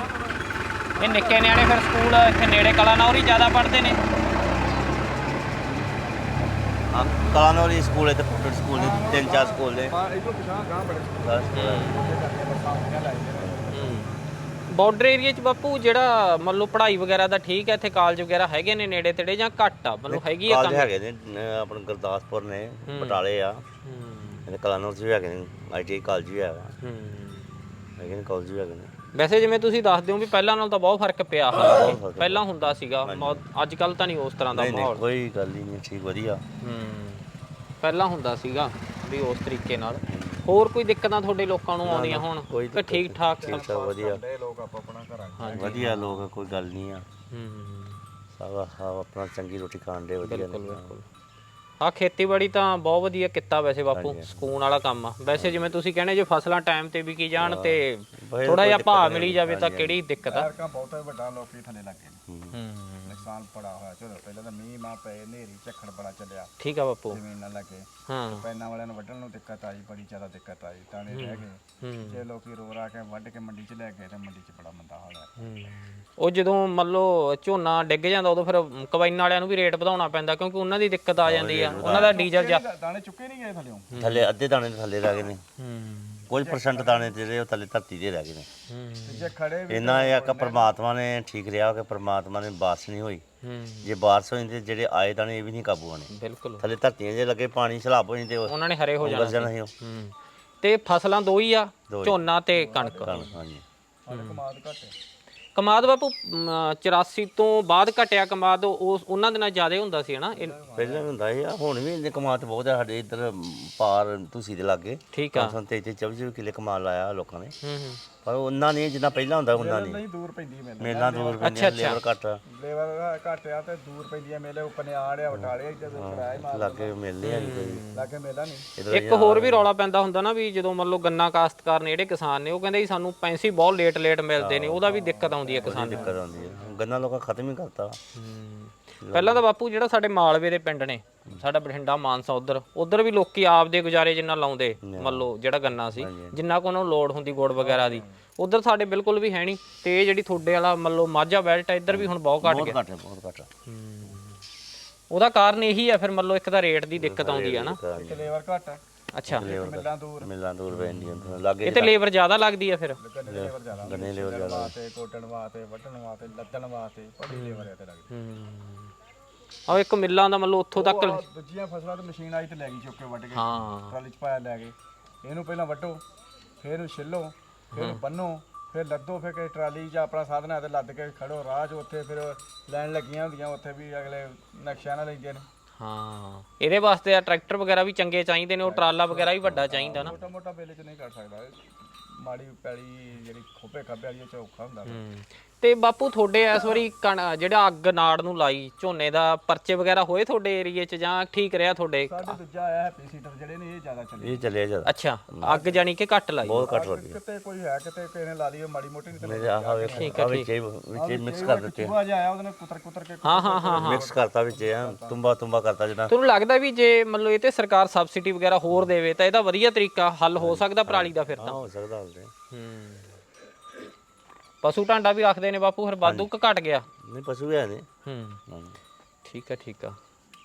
[SPEAKER 1] ਇਹ ਨਿੱਕੇ ਨਿਆਣੇ ਫਿਰ ਸਕੂਲ ਇੱਥੇ ਨੇੜੇ ਕਲਾਨੌਰ ਹੀ ਜ਼ਿਆਦਾ ਪੜ੍ਹਦੇ ਨੇ।
[SPEAKER 2] ਹਾਂ ਕਲਾਨੌਰ ਹੀ ਸਕੂਲ ਹੈ ਤੇ ਪ੍ਰਾਈਵੇਟ ਸਕੂਲ ਨੇ ਤਿੰਨ ਚਾਰ ਸਕੂਲ ਨੇ।
[SPEAKER 3] ਇਹੋ ਪਿਛਾਂ ਗਾਂ ਬੜੇ
[SPEAKER 1] ਬਾਰਡਰ ਏਰੀਆ 'ਚ ਬਾਪੂ ਜਿਹੜਾ ਮੰਨ ਲਓ ਪੜ੍ਹਾਈ ਵਗੈਰਾ ਦਾ ਠੀਕ ਹੈ, ਇੱਥੇ ਕਾਲਜ ਵਗੈਰਾ ਹੈਗੇ ਨੇ ਨੇੜੇ ਤੇੜੇ ਜਾਂ ਘੱਟ ਆ? ਮਤਲਬ ਹੈਗੀ ਆ
[SPEAKER 2] ਕਾਲਜ
[SPEAKER 1] ਕੰਮ?
[SPEAKER 2] ਹੈਗੇ ਨੇ ਅਹ ਆਪਣੇ ਗੁਰਦਾਸਪੁਰ ਨੇ, ਬਟਾਲੇ ਆ, ਤੇ ਕਲਾਨੌਰ 'ਚ ਵੀ ਹੈਗੇ ਨੇ, ਆਈ ਟੀ ਆਈ ਕਾਲਜ ਵੀ ਹੈਗਾ,
[SPEAKER 1] ਹੂੰ
[SPEAKER 2] ਹੈਗੇ ਨੇ ਕਾਲਜ ਵੀ ਹੈਗੇ ਨੇ।
[SPEAKER 1] ਵੈਸੇ ਜਿਵੇਂ ਤੁਸੀਂ ਦੱਸਦੇ ਹੋ ਵੀ ਪਹਿਲਾਂ ਨਾਲ ਤਾਂ ਬਹੁਤ ਫਰਕ ਪਿਆ, ਹਾਲਾਂਕਿ ਪਹਿਲਾਂ ਹੁੰਦਾ ਸੀਗਾ, ਅੱਜ ਕੱਲ ਤਾਂ ਨਹੀਂ ਉਸ ਤਰ੍ਹਾਂ ਦਾ
[SPEAKER 2] ਨਹੀਂ ਨਹੀਂ
[SPEAKER 1] ਮਾਹੌਲ।
[SPEAKER 2] ਕੋਈ ਗੱਲ ਹੀ ਨਹੀਂ, ਠੀਕ ਵਧੀਆ।
[SPEAKER 1] ਹੂੰ ਪਹਿਲਾਂ ਹੁੰਦਾ ਸੀਗਾ ਵੀ ਉਸ ਤਰੀਕੇ ਨਾਲ। ਹੋਰ ਕੋਈ ਦਿੱਕਤਾਂ ਤੁਹਾਡੇ ਲੋਕਾਂ ਨੂੰ ਆਉਂਦੀਆਂ ਹੁਣ ਕਿ ਠੀਕ ਠਾਕ ਸਭ?
[SPEAKER 2] ਸਭ ਵਧੀਆ,
[SPEAKER 3] ਲੋਕ ਆਪ ਆਪਣਾ ਘਰਾਂ
[SPEAKER 2] ਵਧੀਆ ਲੋਕ, ਕੋਈ ਗੱਲ ਨਹੀਂ ਆ,
[SPEAKER 1] ਹੂੰ
[SPEAKER 2] ਸਭ ਸਭ ਆਪਣਾ ਚੰਗੀ ਰੋਟੀ ਖਾਣ ਦੇ ਵਧੀਆ ਨੇ।
[SPEAKER 1] ਬਿਲਕੁਲ। ਆਹ ਖੇਤੀਬਾੜੀ ਤਾਂ ਬਹੁਤ ਵਧੀਆ ਕੀਤਾ ਵੈਸੇ ਬਾਪੂ, ਸਕੂਨ ਵਾਲਾ ਕੰਮ ਆ। ਵੈਸੇ ਜਿਵੇਂ ਤੁਸੀਂ ਕਹਿੰਦੇ ਜੇ ਫਸਲਾਂ ਟਾਈਮ ਤੇ ਵਿਕੀ ਜਾਣ ਤੇ ਥੋੜਾ ਜਿਹਾ ਭਾਅ ਮਿਲੀ ਜਾਵੇ ਤਾਂ ਕਿਹੜੀ ਦਿੱਕਤ ਆ?
[SPEAKER 3] ਸਰਕਾਰ ਬਹੁਤਾ ਵੱਡਾ ਲੋਕੀ ਥੱਲੇ ਲੱਗੇ ਨੇ,
[SPEAKER 1] ਹੂੰ
[SPEAKER 3] ਨੁਕਸਾਨ ਬੜਾ ਹੋਇਆ। ਚਲੋ ਪਹਿਲਾਂ ਤਾਂ ਮੀਂਹ ਮਾ ਪਏ, ਹਨੇਰੀ ਝੱਖੜ ਬੜਾ ਚੱਲਿਆ,
[SPEAKER 1] ਠੀਕ ਆ ਬਾਪੂ।
[SPEAKER 3] ਜ਼ਮੀਨ ਨਾਲ ਲੱਗੇ,
[SPEAKER 1] ਹਾਂ
[SPEAKER 3] ਪੈਨਾਂ ਵਾਲਿਆਂ ਨੂੰ ਵੱਢਣ ਨੂੰ ਦਿੱਕਤ ਆਈ, ਬੜੀ ਜ਼ਿਆਦਾ ਦਿੱਕਤ ਆਈ, ਦਾਣੇ ਰਹਿ ਗਏ। ਜੇ ਲੋਕੀ ਰੋ ਰਾ ਕੇ ਵੱਢ ਕੇ ਮੰਡੀ 'ਚ ਲੈ ਗਏ ਤੇ ਮੰਡੀ 'ਚ ਬੜਾ ਮੰਦਾ ਹਾਲ ਹੈ।
[SPEAKER 1] ਉਹ ਜਦੋਂ ਮੰਨ ਲਓ ਝੋਨਾ ਡਿੱਗ ਜਾਂਦਾ ਉਦੋਂ ਫਿਰ ਕਬਾਈਨ ਵਾਲਿਆਂ ਨੂੰ ਵੀ ਰੇਟ ਵਧਾਉਣਾ ਪੈਂਦਾ, ਕਿਉਂਕਿ ਉਹਨਾਂ ਦੀ ਦਿੱਕਤ ਆ ਜਾਂਦੀ ਆ, ਉਹਨਾਂ ਦਾ ਡੀਜ਼ਲ ਜਾ
[SPEAKER 3] ਦਾਣੇ ਚੁੱਕੇ ਨਹੀਂ ਗਏ ਥੱਲੇ।
[SPEAKER 2] ਥੱਲੇ ਅੱਧੇ ਦਾਣੇ ਥੱਲੇ ਰਹਿ ਗਏ ਨੇ, ਕੁਝ ਪਰਸੈਂਟ ਦਾਣੇ ਜਿਹੜੇ ਉਹ ਥੱਲੇ ਧਰਤੀ ਦੇ ਰਹਿ ਗਏ ਨੇ।
[SPEAKER 3] ਜੇ ਖੜੇ
[SPEAKER 2] ਇਹਨਾਂ ਇਹ ਆ ਕਿ ਪ੍ਰਮਾਤਮਾ ਨੇ ਠੀਕ ਰਿਹਾ ਕਿ ਪ੍ਰਮਾਤਮਾ ਨੇ ਬਾਰਿਸ਼ ਨਹੀਂ ਹੋਈ, ਜੇ ਬਾਰਿਸ਼ ਹੋ ਜਾਂਦੀ ਜਿਹੜੇ ਆਏ ਦਾਣੇ ਇਹ ਵੀ ਨਹੀਂ ਕਾਬੂ ਆਣੇ।
[SPEAKER 1] ਬਿਲਕੁਲ
[SPEAKER 2] ਥੱਲੇ ਧਰਤੀਆਂ ਜੇ ਲੱਗੇ ਪਾਣੀ ਸਲਾਬ ਹੋ ਜਾਂਦੇ,
[SPEAKER 1] ਉਹਨਾਂ ਨੇ ਹਰੇ ਹੋ
[SPEAKER 2] ਜਾਣਾ
[SPEAKER 1] ਜਾਣਾ
[SPEAKER 2] ਸੀ।
[SPEAKER 1] ਹੂੰ ਤੇ ਫਸਲਾਂ ਦੋ ਹੀ ਆ, ਝੋਨਾ ਤੇ ਕਣਕ।
[SPEAKER 2] ਹਾਂਜੀ
[SPEAKER 3] ਕਮਾਦ ਘੱਟ
[SPEAKER 1] ਕਮਾਦ ਬਾਪੂ ਚੁਰਾਸੀ ਤੋਂ ਬਾਅਦ ਘਟਿਆ ਕਮਾਦ, ਉਸ ਉਹਨਾਂ ਦਿਨਾਂ ਜ਼ਿਆਦਾ ਹੁੰਦਾ ਸੀ ਹਨਾ?
[SPEAKER 2] ਪਹਿਲਾਂ ਵੀ ਹੁੰਦਾ ਸੀ, ਹੁਣ ਵੀ ਇੰਨੇ ਕਮਾਦ ਬਹੁਤ ਆ ਸਾਡੇ ਇੱਧਰ ਪਾਰ ਤੁਸੀਂ ਦੇ ਲਾਗੇ।
[SPEAKER 1] ਠੀਕ ਆ
[SPEAKER 2] ਤੇਈ ਤੇਈ ਚੌਵੀ ਚੌਵੀ ਕਿੱਲੇ ਕਮਾਲ ਲਾਇਆ ਲੋਕਾਂ ਨੇ।
[SPEAKER 1] ਹੂੰ ਹੂੰ
[SPEAKER 2] ਪਰ ਉਹਨਾਂ ਨਹੀਂ ਜਿੰਨਾ ਪਹਿਲਾਂ ਹੁੰਦਾ ਉਹਨਾਂ ਨਹੀਂ
[SPEAKER 3] ਨਹੀਂ ਦੂਰ ਪੈਂਦੀ ਹੈ ਮੇਲੇ
[SPEAKER 2] ਮੇਲਾ ਦੂਰ ਪੈਂਦੀਆਂ ਲੇਬਰ ਘੱਟ
[SPEAKER 3] ਲੇਬਰ ਘੱਟ ਆ ਤੇ ਦੂਰ ਪੈਂਦੀ ਹੈ ਮੇਲੇ ਉੱਪਰ ਨੇ ਆੜਿਆ ਵਟਾਲੇ ਜਦੋਂ ਕਿਰਾਏ ਮਾਰ
[SPEAKER 2] ਲਾਗੇ ਮੇਲੇ ਆ ਕੋਈ
[SPEAKER 3] ਲਾਗੇ ਮੇਲਾ ਨਹੀਂ
[SPEAKER 2] ਇੱਧਰ
[SPEAKER 1] ਇੱਕ ਹੋਰ ਵੀ ਰੌਲਾ ਪੈਂਦਾ ਹੁੰਦਾ ਨਾ ਵੀ ਜਦੋਂ ਮੰਨ ਲਓ ਗੰਨਾ ਕਾਸ਼ਤਕਾਰ ਨੇ ਜਿਹੜੇ ਕਿਸਾਨ ਨੇ ਉਹ ਕਹਿੰਦੇ ਜੀ ਸਾਨੂੰ ਪੈਸੇ ਬਹੁਤ ਲੇਟ ਲੇਟ ਮਿਲਦੇ ਨੇ ਉਹਦਾ ਵੀ ਦਿੱਕਤ ਆਉਂਦੀ ਹੈ ਕਿਸਾਨ ਨੂੰ।
[SPEAKER 2] ਦਿੱਕਤ ਆਉਂਦੀ ਹੈ ਗੰਨਾ ਲੋਕਾਂ ਖਤਮ ਹੀ ਕਰਤਾ
[SPEAKER 1] ਪਹਿਲਾਂ ਤਾਂ ਬਾਪੂ ਜਿਹੜਾ ਸਾਡੇ ਮਾਲਵੇ ਦੇ ਪਿੰਡ ਨੇ ਸਾਡਾ ਬਠਿੰਡਾ ਮਾਨਸਾ ਉਧਰ ਉਧਰ ਵੀ ਲੋਕੀ ਆਪਦੇ ਗੁਜ਼ਾਰੇ ਜਿੰਨਾ ਲਾਉਂਦੇ ਮੰਨ ਲਓ ਜਿਹੜਾ ਗੰਨਾ ਸੀ ਜਿੰਨਾ ਕੋ ਉਹਨਾਂ ਨੂੰ ਲੋੜ ਹੁੰਦੀ ਗੁੜ ਵਗੈਰਾ ਦੀ ਉਧਰ ਸਾਡੇ ਬਿਲਕੁਲ ਵੀ ਹੈ ਨਹੀਂ ਤੇ ਇਹ ਜਿਹੜੀ ਤੁਹਾਡੇ ਵਾਲਾ ਮੰਨ ਲਓ ਮਾਝਾ ਬੈਲਟ ਹੈ ਇੱਧਰ ਵੀ ਹੁਣ ਬਹੁਤ ਘਟ ਗਿਆ
[SPEAKER 2] ਘੱਟ ਬਹੁਤ ਘੱਟ
[SPEAKER 1] ਉਹਦਾ ਕਾਰਨ ਇਹੀ ਹੈ ਫਿਰ ਮੰਨ ਲਓ ਇੱਕ ਤਾਂ ਰੇਟ ਦੀ ਦਿੱਕਤ ਆਉਂਦੀ ਹੈ ਨਾ
[SPEAKER 3] ਲੇਬਰ ਘੱਟ ਆ
[SPEAKER 1] ਅੱਛਾ
[SPEAKER 3] ਮਿਲਾਂ ਦੂਰ
[SPEAKER 2] ਮਿਲਾਂ ਦੂਰ ਪੈਂਦੀਆਂ ਲਾਗੇ
[SPEAKER 1] ਇਹ ਤੇ ਲੇਬਰ ਜ਼ਿਆਦਾ ਲੱਗਦੀ ਹੈ ਫਿਰ
[SPEAKER 3] ਲੇਬਰ ਜ਼ਿਆਦਾ
[SPEAKER 2] ਗੰਨੇ ਲੇਬਰ ਜ਼ਿਆਦਾ
[SPEAKER 3] ਵਾਸਤੇ ਕੋਟਣ ਵਾਸਤੇ ਵੱਢਣ ਵਾਸਤੇ ਲੱਦਣ ਵਾਸਤੇ ਬੜੀ ਲੇਬਰ ਹੈ ਤੇ ਲੱਗਦੀ
[SPEAKER 1] ਹੂੰ ਆਹ ਇੱਕ ਮਿੱਲਾਂ ਦਾ ਮੰਨ ਲਓ ਉੱਥੋਂ ਤੱਕ
[SPEAKER 3] ਉਹ ਦੂਜੀਆਂ ਫਸਲਾਂ ਤੇ ਮਸ਼ੀਨ ਆਈ ਤੇ ਲੈ ਗਈ ਚੁੱਕ ਕੇ ਵੱਢ ਕੇ
[SPEAKER 1] ਹਾਂ
[SPEAKER 3] ਟਰਾਲੀ ਚ ਪਾਇਆ ਲੈ ਗਏ ਇਹਨੂੰ ਪਹਿਲਾਂ ਵੱਢੋ ਫਿਰ ਇਹਨੂੰ ਛਿੱਲੋ ਫਿਰ ਇਹਨੂੰ ਬੰਨੋ ਫਿਰ ਲੱਦੋ ਫਿਰ ਕਿ ਟਰਾਲੀ ਜਾਂ ਆਪਣਾ ਸਾਧਨ ਹੈ ਤੇ ਲੱਦ ਕੇ ਖੜੋ ਰਾਹ 'ਚ ਉੱਥੇ ਫਿਰ ਲੈਣ ਲੱਗੀਆਂ ਹੁੰਦੀਆਂ ਉੱਥੇ ਵੀ ਅਗਲੇ ਨਕਸ਼ਾ ਨਾਲ ਲੈਂਦੇ ਨੇ
[SPEAKER 1] ਹਾਂ ਇਹਦੇ ਵਾਸਤੇ ਆ ਟਰੈਕਟਰ ਵਗੈਰਾ ਵੀ ਚੰਗੇ ਚਾਹੀਦੇ ਨੇ ਉਹ ਟਰਾਲਾ ਵਗੈਰਾ ਵੀ ਵੱਡਾ ਚਾਹੀਦਾ ਨਾ
[SPEAKER 3] ਛੋਟਾ ਮੋਟਾ ਬੇਲੇ 'ਚ ਨਹੀਂ ਕਰ ਸਕਦਾ ਮਾੜੀ ਪੈਲੀ ਜਿਹੜੀ ਖੋਪੇ ਖਾਪੇ ਵਾਲੀ ਚ ਔਖਾ ਹੁੰਦਾ
[SPEAKER 1] ਹੂੰ ਤੇ ਬਾਪੂ ਤੁਹਾਡੇ ਇਸ ਵਾਰੀ ਕਣ ਜਿਹੜਾ ਅੱਗ ਨਾੜ ਨੂੰ ਲਾਈ ਝੋਨੇ ਦਾ ਪਰਚੇ ਵਗੈਰਾ ਹੋਏ ਤੁਹਾਡੇ ਏਰੀਏ 'ਚ ਜਾਂ ਠੀਕ ਰਿਹਾ ਤੁਹਾਡੇ
[SPEAKER 3] ਸਾਡੇ ਦੂਜਾ ਆਇਆ ਹੈਪੀ ਸੀਟਰ ਜਿਹੜੇ ਨੇ ਇਹ ਜ਼ਿਆਦਾ ਚੱਲੇ
[SPEAKER 2] ਇਹ ਚੱਲਿਆ ਜ਼ਿਆਦਾ
[SPEAKER 1] ਅੱਛਾ ਅੱਗ ਜਾਨੀ ਕਿ ਘੱਟ ਲਾਈ
[SPEAKER 2] ਬਹੁਤ ਘੱਟ ਹੋ ਗਈ
[SPEAKER 3] ਕਿਤੇ ਕੋਈ ਹੈ ਕਿਤੇ ਕਿਸੇ ਨੇ ਲਾ ਲਈ ਮਾੜੀ ਮੋਟੀ ਨਹੀਂ
[SPEAKER 2] ਮੇਰੇ ਆਹ ਵੇਖੋ ਆ ਵਿੱਚ ਵਿੱਚ ਮਿਕਸ ਕਰ ਦਿੱਤੇ
[SPEAKER 3] ਚੂਹਾ ਜਿਹਾ ਆਇਆ ਉਹਦੇ ਨੇ ਕੁਤਰ ਕੁਤਰ ਕੇ
[SPEAKER 1] ਹਾਂ ਹਾਂ ਹਾਂ ਹਾਂ
[SPEAKER 2] ਮਿਕਸ ਕਰਤਾ ਵਿੱਚ ਆ ਤੁੰਬਾ ਤੁੰਬਾ ਕਰਤਾ ਜਿਹੜਾ
[SPEAKER 1] ਤੁਹਾਨੂੰ ਲੱਗਦਾ ਵੀ ਜੇ ਮੰਨ ਲਓ ਇਹ ਤੇ ਸਰਕਾਰ ਸਬਸਿਡੀ ਵਗੈਰਾ ਹੋਰ ਦੇਵੇ ਤਾਂ ਇਹਦਾ ਵਧੀਆ ਤਰੀਕਾ ਹੱਲ ਹੋ ਸਕਦਾ ਪਰਾਲੀ ਦਾ ਫਿਰ
[SPEAKER 2] ਹਾਂ
[SPEAKER 1] ਤਾਂ
[SPEAKER 2] ਹੋ ਸਕਦਾ ਹੁੰਦੇ
[SPEAKER 1] ਹੂੰ ਪਸ਼ੂ ਢਾਂਡਾ ਵੀ ਆਖਦੇ ਨੇ ਬਾਪੂ ਫਿਰ ਵਾਧੂ ਕ ਘਟ ਗਿਆ
[SPEAKER 2] ਨਹੀਂ ਪਸ਼ੂ ਹੈ ਨੇ
[SPEAKER 1] ਹੂੰ ਠੀਕ ਆ ਠੀਕ ਆ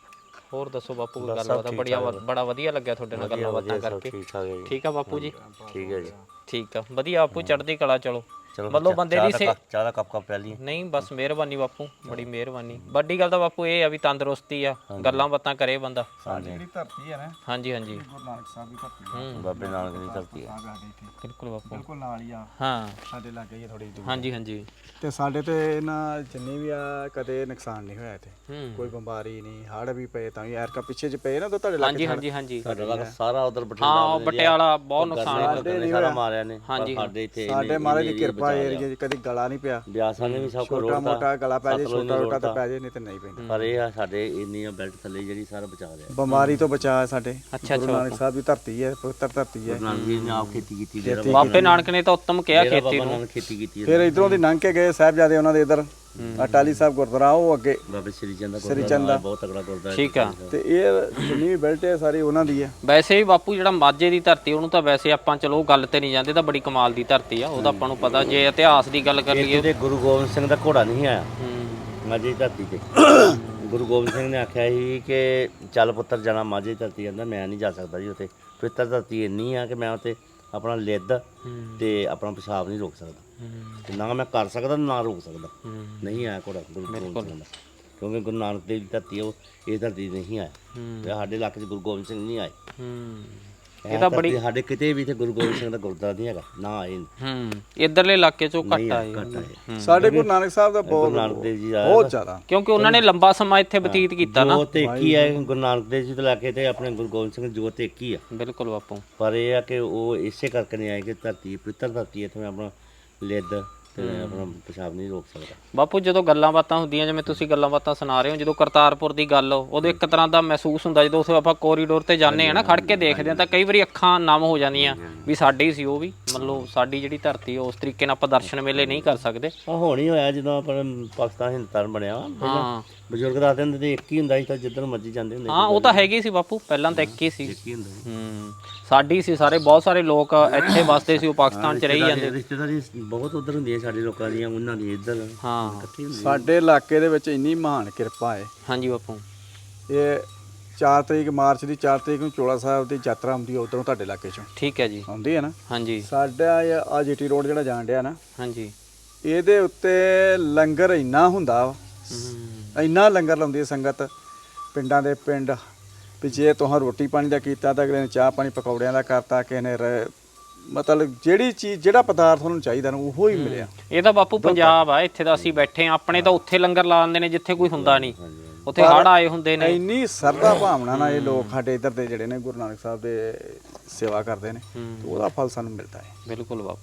[SPEAKER 1] ਹੋਰ ਦੱਸੋ ਬਾਪੂ ਕੋਈ ਗੱਲਬਾਤ ਬੜੀਆ ਬੜਾ ਵਧੀਆ ਲੱਗਿਆ ਤੁਹਾਡੇ ਨਾਲ ਗੱਲਾਂ ਬਾਤਾਂ ਕਰਕੇ
[SPEAKER 2] ਠੀਕ ਠਾਕ ਹੈ ਜੀ
[SPEAKER 1] ਠੀਕ ਆ ਬਾਪੂ ਜੀ
[SPEAKER 2] ਠੀਕ ਹੈ ਜੀ
[SPEAKER 1] ਠੀਕ ਆ ਵਧੀਆ ਬਾਪੂ ਚੜ੍ਹਦੀ ਕਲਾ ਚਲੋ
[SPEAKER 2] ਚਲੋ
[SPEAKER 1] ਮਤਲਬ ਬੰਦੇ ਦੀ ਸੇ
[SPEAKER 2] ਚਾਹ ਦਾ ਕੱਪ ਕੱਪ ਪਿਆ ਲਈ
[SPEAKER 1] ਨਹੀਂ ਬਸ ਮਿਹਰਬਾਨੀ ਬਾਪੂ ਬੜੀ ਮਿਹਰਬਾਨੀ ਵੱਡੀ ਗੱਲ ਤਾਂ ਬਾਪੂ ਇਹ ਆ ਵੀ ਤੰਦਰੁਸਤੀ ਆ ਗੱਲਾਂ ਬਾਤਾਂ ਕਰੇ ਬੰਦਾ
[SPEAKER 3] ਸਾਡੀ ਜਿਹੜੀ ਧਰਤੀ ਹੈ ਨਾ
[SPEAKER 1] ਹਾਂਜੀ ਹਾਂਜੀ
[SPEAKER 3] ਗੁਰੂ ਨਾਨਕ ਸਾਹਿਬ ਦੀ ਧਰਤੀ ਹੈ
[SPEAKER 2] ਬਾਬੇ ਨਾਨਕ ਦੀ ਧਰਤੀ ਹੈ
[SPEAKER 3] ਆ ਸਾਡੇ ਇੱਥੇ
[SPEAKER 1] ਬਿਲਕੁਲ ਬਾਪੂ
[SPEAKER 3] ਬਿਲਕੁਲ ਨਾਲ ਹੀ ਆ
[SPEAKER 1] ਹਾਂ
[SPEAKER 3] ਸਾਡੇ ਲਾਗੇ ਹੀ ਆ ਥੋੜੀ ਦੂਰ
[SPEAKER 1] ਹਾਂਜੀ ਹਾਂਜੀ
[SPEAKER 3] ਤੇ ਸਾਡੇ ਤੇ ਇਹਨਾਂ ਜਿੰਨੀ ਵੀ ਆ ਕਦੇ ਨੁਕਸਾਨ ਨਹੀਂ ਹੋਇਆ ਇੱਥੇ
[SPEAKER 1] ਹੂੰ
[SPEAKER 3] ਕੋਈ ਬਿਮਾਰੀ ਨਹੀਂ ਹੜ ਵੀ ਪਏ ਤਾਂ ਵੀ ਐਰਕਾ ਪਿੱਛੇ ਚ ਪਏ ਨਾ ਤਾਂ ਤੁਹਾਡੇ ਲਾਗੇ
[SPEAKER 1] ਹਾਂਜੀ ਹਾਂਜੀ ਹਾਂਜੀ
[SPEAKER 2] ਸਾਡਾ ਲੱਗ ਸਾਰਾ ਉਧਰ ਬਠਿੰਡਾ
[SPEAKER 1] ਹਾਂ ਪਟਿਆਲਾ ਬਹੁਤ ਨੁਕਸਾਨ
[SPEAKER 2] ਨੇ ਸਾਰਾ ਮਾਰਿਆ ਨੇ ਪਰ ਸਾਡੇ ਇੱਥੇ
[SPEAKER 3] ਸਾਡੇ ਮਹਾਰਾਜ ਦੀ ਕਿਰਪਾ ਏਰੀਏ 'ਚ ਕਦੀ ਗਲਾ ਨਹੀਂ ਪਿਆ
[SPEAKER 2] ਬਿਆਸਾਂ ਨੇ ਵੀ ਸਭ ਕੁਝ
[SPEAKER 3] ਛੋਟਾ
[SPEAKER 2] ਰੋੜਤਾ
[SPEAKER 3] ਮੋਟਾ ਗਲਾ ਪੈ ਜੇ ਛੋਟਾ ਛੋਟਾ ਤਾਂ ਪੈ ਜੇ ਨਹੀਂ ਤੇ ਨਹੀਂ ਪੈਂਦਾ
[SPEAKER 2] ਪਰ ਇਹ ਆ ਸਾਡੇ ਇੰਨੀਆਂ ਬੈਲਟ ਥੱਲੇ ਜਿਹੜੀ ਸਾਰਾ ਬਚਾ ਲਿਆ
[SPEAKER 3] ਬਿਮਾਰੀ ਤੋਂ ਬਚਾ ਸਾਡੇ
[SPEAKER 1] ਅੱਛਾ
[SPEAKER 3] ਗੁਰੂ ਨਾਨਕ ਸਾਹਿਬ ਦੀ ਧਰਤੀ ਹੈ ਪਵਿੱਤਰ ਧਰਤੀ ਹੈ
[SPEAKER 2] ਨਾਨਕ ਜੀ ਨੇ ਆਪ ਖੇਤੀ ਕੀਤੀ ਜਿਹੜਾ
[SPEAKER 1] ਬਾਪੇ ਨਾਨਕ ਨੇ ਤਾਂ ਉੱਤਮ ਕਿਹਾ ਖੇਤੀ
[SPEAKER 2] ਬਾਬਾ
[SPEAKER 1] ਨੂੰ
[SPEAKER 2] ਨਾਨਕ ਖੇਤੀ ਕੀਤੀ ਹੈ
[SPEAKER 3] ਫਿਰ ਇਧਰੋਂ ਦੀ ਲੰਘ ਕੇ ਗਏ ਸਾਹਿਬਜ਼ਾਦੇ ਉਹਨਾਂ ਦੇ ਇਧਰ ਅਟਾਲੀ ਸਾਹਿਬ ਗੁਰਦੁਆਰਾ ਉਹ ਅੱਗੇ
[SPEAKER 2] ਬਾਬਾ ਸ੍ਰੀ ਚੰਦ ਦਾ
[SPEAKER 3] ਸ੍ਰੀ
[SPEAKER 2] ਗੁਰਦੁਆਰਾ
[SPEAKER 3] ਚੰਦ
[SPEAKER 2] ਬਹੁਤ ਤਗੜਾ ਗੁਰਦੁਆਰਾ
[SPEAKER 1] ਠੀਕ ਆ
[SPEAKER 3] ਤੇ ਇਹ ਜਿੰਨੀ ਵੀ ਬੈਲਟ ਹੈ ਸਾਰੀ ਉਹਨਾਂ ਦੀ ਹੈ
[SPEAKER 1] ਵੈਸੇ ਵੀ ਬਾਪੂ ਜਿਹੜਾ ਮਾਝੇ ਦੀ ਧਰਤੀ ਉਹਨੂੰ ਤਾਂ ਵੈਸੇ ਆਪਾਂ ਚਲੋ ਗੱਲ ਤੇ ਨਹੀਂ ਜਾਂਦੇ ਤਾਂ ਬੜੀ ਕਮਾਲ ਦੀ ਧਰਤੀ ਆ ਉਹਦਾ ਆਪਾਂ ਨੂੰ ਪਤਾ ਜੇ ਇਤਿਹਾਸ ਦੀ ਗੱਲ ਕਰ ਲਈਏ
[SPEAKER 2] ਇੱਥੇ ਗੁਰੂ ਗੋਬਿੰਦ ਸਿੰਘ ਦਾ ਘੋੜਾ ਨਹੀਂ ਆਇਆ
[SPEAKER 1] ਹੂੰ
[SPEAKER 2] ਮਾਝੇ ਦੀ ਧਰਤੀ ਤੇ ਗੁਰੂ ਗੋਬਿੰਦ ਸਿੰਘ ਨੇ ਆਖਿਆ ਸੀ ਕਿ ਚੱਲ ਪੁੱਤਰ ਜਾਣਾ ਮਾਝੇ ਦੀ ਧਰਤੀ ਕਹਿੰਦਾ ਮੈਂ ਨਹੀਂ ਜਾ ਸਕਦਾ ਜੀ ਉੱਥੇ ਪਵਿੱਤਰ ਧਰਤੀ ਇੰਨੀ ਆ ਕਿ ਮੈਂ ਉੱਥੇ ਆਪਣਾ ਲਿੱਦ ਤੇ ਆਪਣਾ ਪਿਸ਼ਾਬ ਨਹੀਂ ਰੋਕ ਸਕਦਾ ਤੇ ਨਾ ਮੈਂ ਕਰ ਸਕਦਾ ਨਾ ਰੋਕ ਸਕਦਾ ਨਹੀਂ ਆਇਆ ਘੋੜਾ ਗੁਰੂ ਗੋਬਿੰਦ ਸਿੰਘ ਦਾ ਕਿਉਂਕਿ ਗੁਰੂ ਨਾਨਕ ਦੇਵ ਦੀ ਧਰਤੀ ਉਹ ਇਹ ਧਰਤੀ ਨਹੀਂ ਆਇਆ ਤੇ ਸਾਡੇ ਇਲਾਕੇ 'ਚ ਗੁਰੂ ਗੋਬਿੰਦ ਸਿੰਘ ਨਹੀਂ ਆਏ
[SPEAKER 1] ਹੂੰ
[SPEAKER 2] ਇਹ ਤਾਂ ਬੜੀ ਸਾਡੇ ਕਿਤੇ ਵੀ ਇੱਥੇ ਗੁਰੂ ਗੋਬਿੰਦ ਸਿੰਘ ਦਾ ਗੁਰਦੁਆਰਾ ਨਹੀਂ ਹੈਗਾ ਨਾ ਆਏ
[SPEAKER 1] ਹੂੰ ਇਧਰਲੇ ਇਲਾਕੇ ਚੋਂ ਘੱਟ ਆਏ
[SPEAKER 2] ਘੱਟ ਆਏ
[SPEAKER 3] ਸਾਡੇ ਗੁਰੂ ਨਾਨਕ ਸਾਹਿਬ ਦਾ ਬਹੁਤ
[SPEAKER 2] ਗੁਰੂ ਨਾਨਕ ਦੇਵ ਜੀ ਦਾ
[SPEAKER 3] ਬਹੁਤ ਜ਼ਿਆਦਾ
[SPEAKER 1] ਕਿਉਂਕਿ ਉਹਨਾਂ ਨੇ ਲੰਬਾ ਸਮਾਂ ਇੱਥੇ ਬਤੀਤ ਕੀਤਾ ਨਾ
[SPEAKER 2] ਜੋਤ ਇੱਕ ਹੀ ਹੈ ਗੁਰੂ ਨਾਨਕ ਦੇਵ ਜੀ ਤੋਂ ਲੈ ਕੇ ਤੇ ਆਪਣੇ ਗੁਰੂ ਗੋਬਿੰਦ ਸਿੰਘ ਜੋਤ ਇੱਕ ਹੀ ਆ
[SPEAKER 1] ਬਿਲਕੁਲ ਬਾਪੂ
[SPEAKER 2] ਪਰ ਇਹ ਆ ਕਿ ਉਹ ਇਸੇ ਕਰਕੇ ਨਹੀਂ ਆਏ ਕਿ ਧਰਤੀ ਪਵਿੱਤਰ ਧਰਤੀ ਇੱਥੇ ਮੈਂ ਆਪਣਾ ਲਿੱਦ ਤੇ ਆਪਣਾ ਪਿਸ਼ਾਬ ਨਹੀਂ ਰੋਕ ਸਕਦਾ
[SPEAKER 1] ਬਾਪੂ ਜਦੋਂ ਗੱਲਾਂ ਬਾਤਾਂ ਹੁੰਦੀਆਂ ਜਿਵੇਂ ਤੁਸੀਂ ਗੱਲਾਂ ਬਾਤਾਂ ਸੁਣਾ ਰਹੇ ਹੋ ਜਦੋਂ ਕਰਤਾਰਪੁਰ ਦੀ ਗੱਲ ਉਦੋਂ ਇੱਕ ਤਰ੍ਹਾਂ ਦਾ ਮਹਿਸੂਸ ਹੁੰਦਾ ਜਦੋਂ ਉੱਥੇ ਆਪਾਂ ਕੋਰੀਡੋਰ ਤੇ ਜਾਂਦੇ ਆ ਨਾ ਖੜ ਕੇ ਦੇਖਦੇ ਆ ਤਾਂ ਕਈ ਵਾਰੀ ਅੱਖਾਂ ਨਮ ਹੋ ਜਾਂਦੀਆਂ ਵੀ ਸਾਡੇ ਹੀ ਸੀ ਉਹ ਵੀ ਮਤਲਬ ਸਾਡੀ ਜਿਹੜੀ ਧਰਤੀ ਉਸ ਤਰੀਕੇ ਨਾਲ ਆਪਾਂ ਦਰਸ਼ਨ ਮੇਲੇ ਨਹੀਂ ਕਰ ਸਕਦੇ
[SPEAKER 2] ਆ ਹੁਣ ਹੀ ਹੋਇਆ ਜਦੋਂ ਆਪਣਾ ਪਾਕਿਸਤਾਨ ਹਿੰਦੁਸਤਾਨ ਬਣਿਆ
[SPEAKER 1] ਹਾਂ
[SPEAKER 2] ਬਜ਼ੁਰਗ ਦੱਸਦੇ ਹੁੰਦੇ ਤੇ ਇੱਕ ਹੀ ਹੁੰਦਾ ਸੀ ਤਾਂ ਜਿੱਧਰ ਮਰਜ਼ੀ ਜਾਂਦੇ ਹੁੰਦੇ
[SPEAKER 1] ਹਾਂ ਉਹ ਤਾਂ ਹੈਗੀ ਸੀ ਬਾਪੂ ਪਹਿਲਾਂ ਤਾਂ ਇੱਕ ਹੀ ਸੀ
[SPEAKER 2] ਇੱਕ ਹੀ ਹੁੰਦਾ ਸੀ
[SPEAKER 1] ਹੂੰ ਸਾਡੀ ਸੀ ਸਾਰੇ ਬਹੁਤ ਸਾਰੇ ਲੋਕ ਇੱਥੇ ਵਸਦੇ ਸੀ ਉਹ ਪਾਕਿਸਤਾਨ 'ਚ ਰਹੀ ਜਾਂਦੇ
[SPEAKER 2] ਰਿਸ਼ਤੇਦਾਰੀ ਬਹੁਤ ਉਧਰ ਹੁੰਦੀਆਂ ਸਾਡੇ ਲੋਕਾਂ ਦੀਆਂ ਉਹਨਾਂ ਦੀ ਇੱਧਰ
[SPEAKER 1] ਹਾਂ
[SPEAKER 2] ਇਕੱਠੀ ਹੁੰਦੀ
[SPEAKER 3] ਸਾਡੇ ਇਲਾਕੇ ਦੇ ਵਿੱਚ ਇੰਨੀ ਮਹਾਨ ਕਿਰਪਾ ਹੈ
[SPEAKER 1] ਹਾਂਜੀ ਬਾਪੂ
[SPEAKER 3] ਇਹ ਚਾਰ ਤਰੀਕ ਮਾਰਚ ਦੀ ਚਾਰ ਤਰੀਕ ਨੂੰ ਚੋਲਾ ਸਾਹਿਬ ਦੀ ਯਾਤਰਾ ਆਉਂਦੀ ਹੈ ਉਧਰੋਂ ਤੁਹਾਡੇ ਇਲਾਕੇ ਚੋਂ
[SPEAKER 1] ਠੀਕ ਹੈ ਜੀ
[SPEAKER 3] ਆਉਂਦੀ ਹੈ ਨਾ
[SPEAKER 1] ਹਾਂਜੀ
[SPEAKER 3] ਸਾਡਾ ਆ ਜੀਟੀ ਰੋਡ ਜਿਹੜਾ ਜਾਣ ਡਿਆ ਨਾ
[SPEAKER 1] ਹਾਂਜੀ
[SPEAKER 3] ਇਹਦੇ ਉੱਤੇ ਲੰਗਰ ਇੰਨਾ ਹੁੰਦਾ ਵਾ ਇੰਨਾ ਲੰਗਰ ਲਾਉਂਦੀ ਹੈ ਸੰਗਤ ਪਿੰਡਾਂ ਦੇ ਪਿੰਡ ਵੀ ਜੇ ਤੁਹਾਂ ਰੋਟੀ ਪਾਣੀ ਦਾ ਕੀਤਾ ਤਾਂ ਅਗਲੇ ਨੇ ਚਾਹ ਪਾਣੀ ਪਕੌੜਿਆਂ ਦਾ ਕਰਤਾ ਕਿਸੇ ਨੇ ਰ- ਮਤਲਬ ਜਿਹੜੀ ਚੀਜ਼ ਜਿਹੜਾ ਪਦਾਰਥ ਉਹਨੂੰ ਚਾਹੀਦਾ ਨਾ ਉਹੋ ਹੀ ਮਿਲਿਆ
[SPEAKER 1] ਇਹ ਤਾਂ ਬਾਪੂ ਪੰਜਾਬ ਆ ਇੱਥੇ ਤਾਂ ਅਸੀਂ ਬੈਠੇ ਆ ਆਪਣੇ ਤਾਂ ਉੱਥੇ ਲੰਗਰ ਲਾ ਦਿੰਦੇ ਨੇ ਜਿੱਥੇ ਕੋਈ ਹੁੰਦਾ ਨਹੀਂ ਉੱਥੇ ਹੜ ਆਏ ਹੁੰਦੇ ਨੇ
[SPEAKER 3] ਇੰਨੀ ਸਰਦਾ ਭਾਵਨਾ ਨਾਲ ਇਹ ਲੋਕ ਸਾਡੇ ਇੱਧਰ ਦੇ ਜਿਹੜੇ ਨੇ ਗੁਰੂ ਨਾਨਕ ਸਾਹਿਬ ਦੇ ਸੇਵਾ ਕਰਦੇ ਨੇ ਤੇ ਉਹਦਾ ਫਲ ਸਾਨੂੰ ਮਿਲਦਾ ਹੈ
[SPEAKER 1] ਬਿਲਕੁਲ ਬਾਪੂ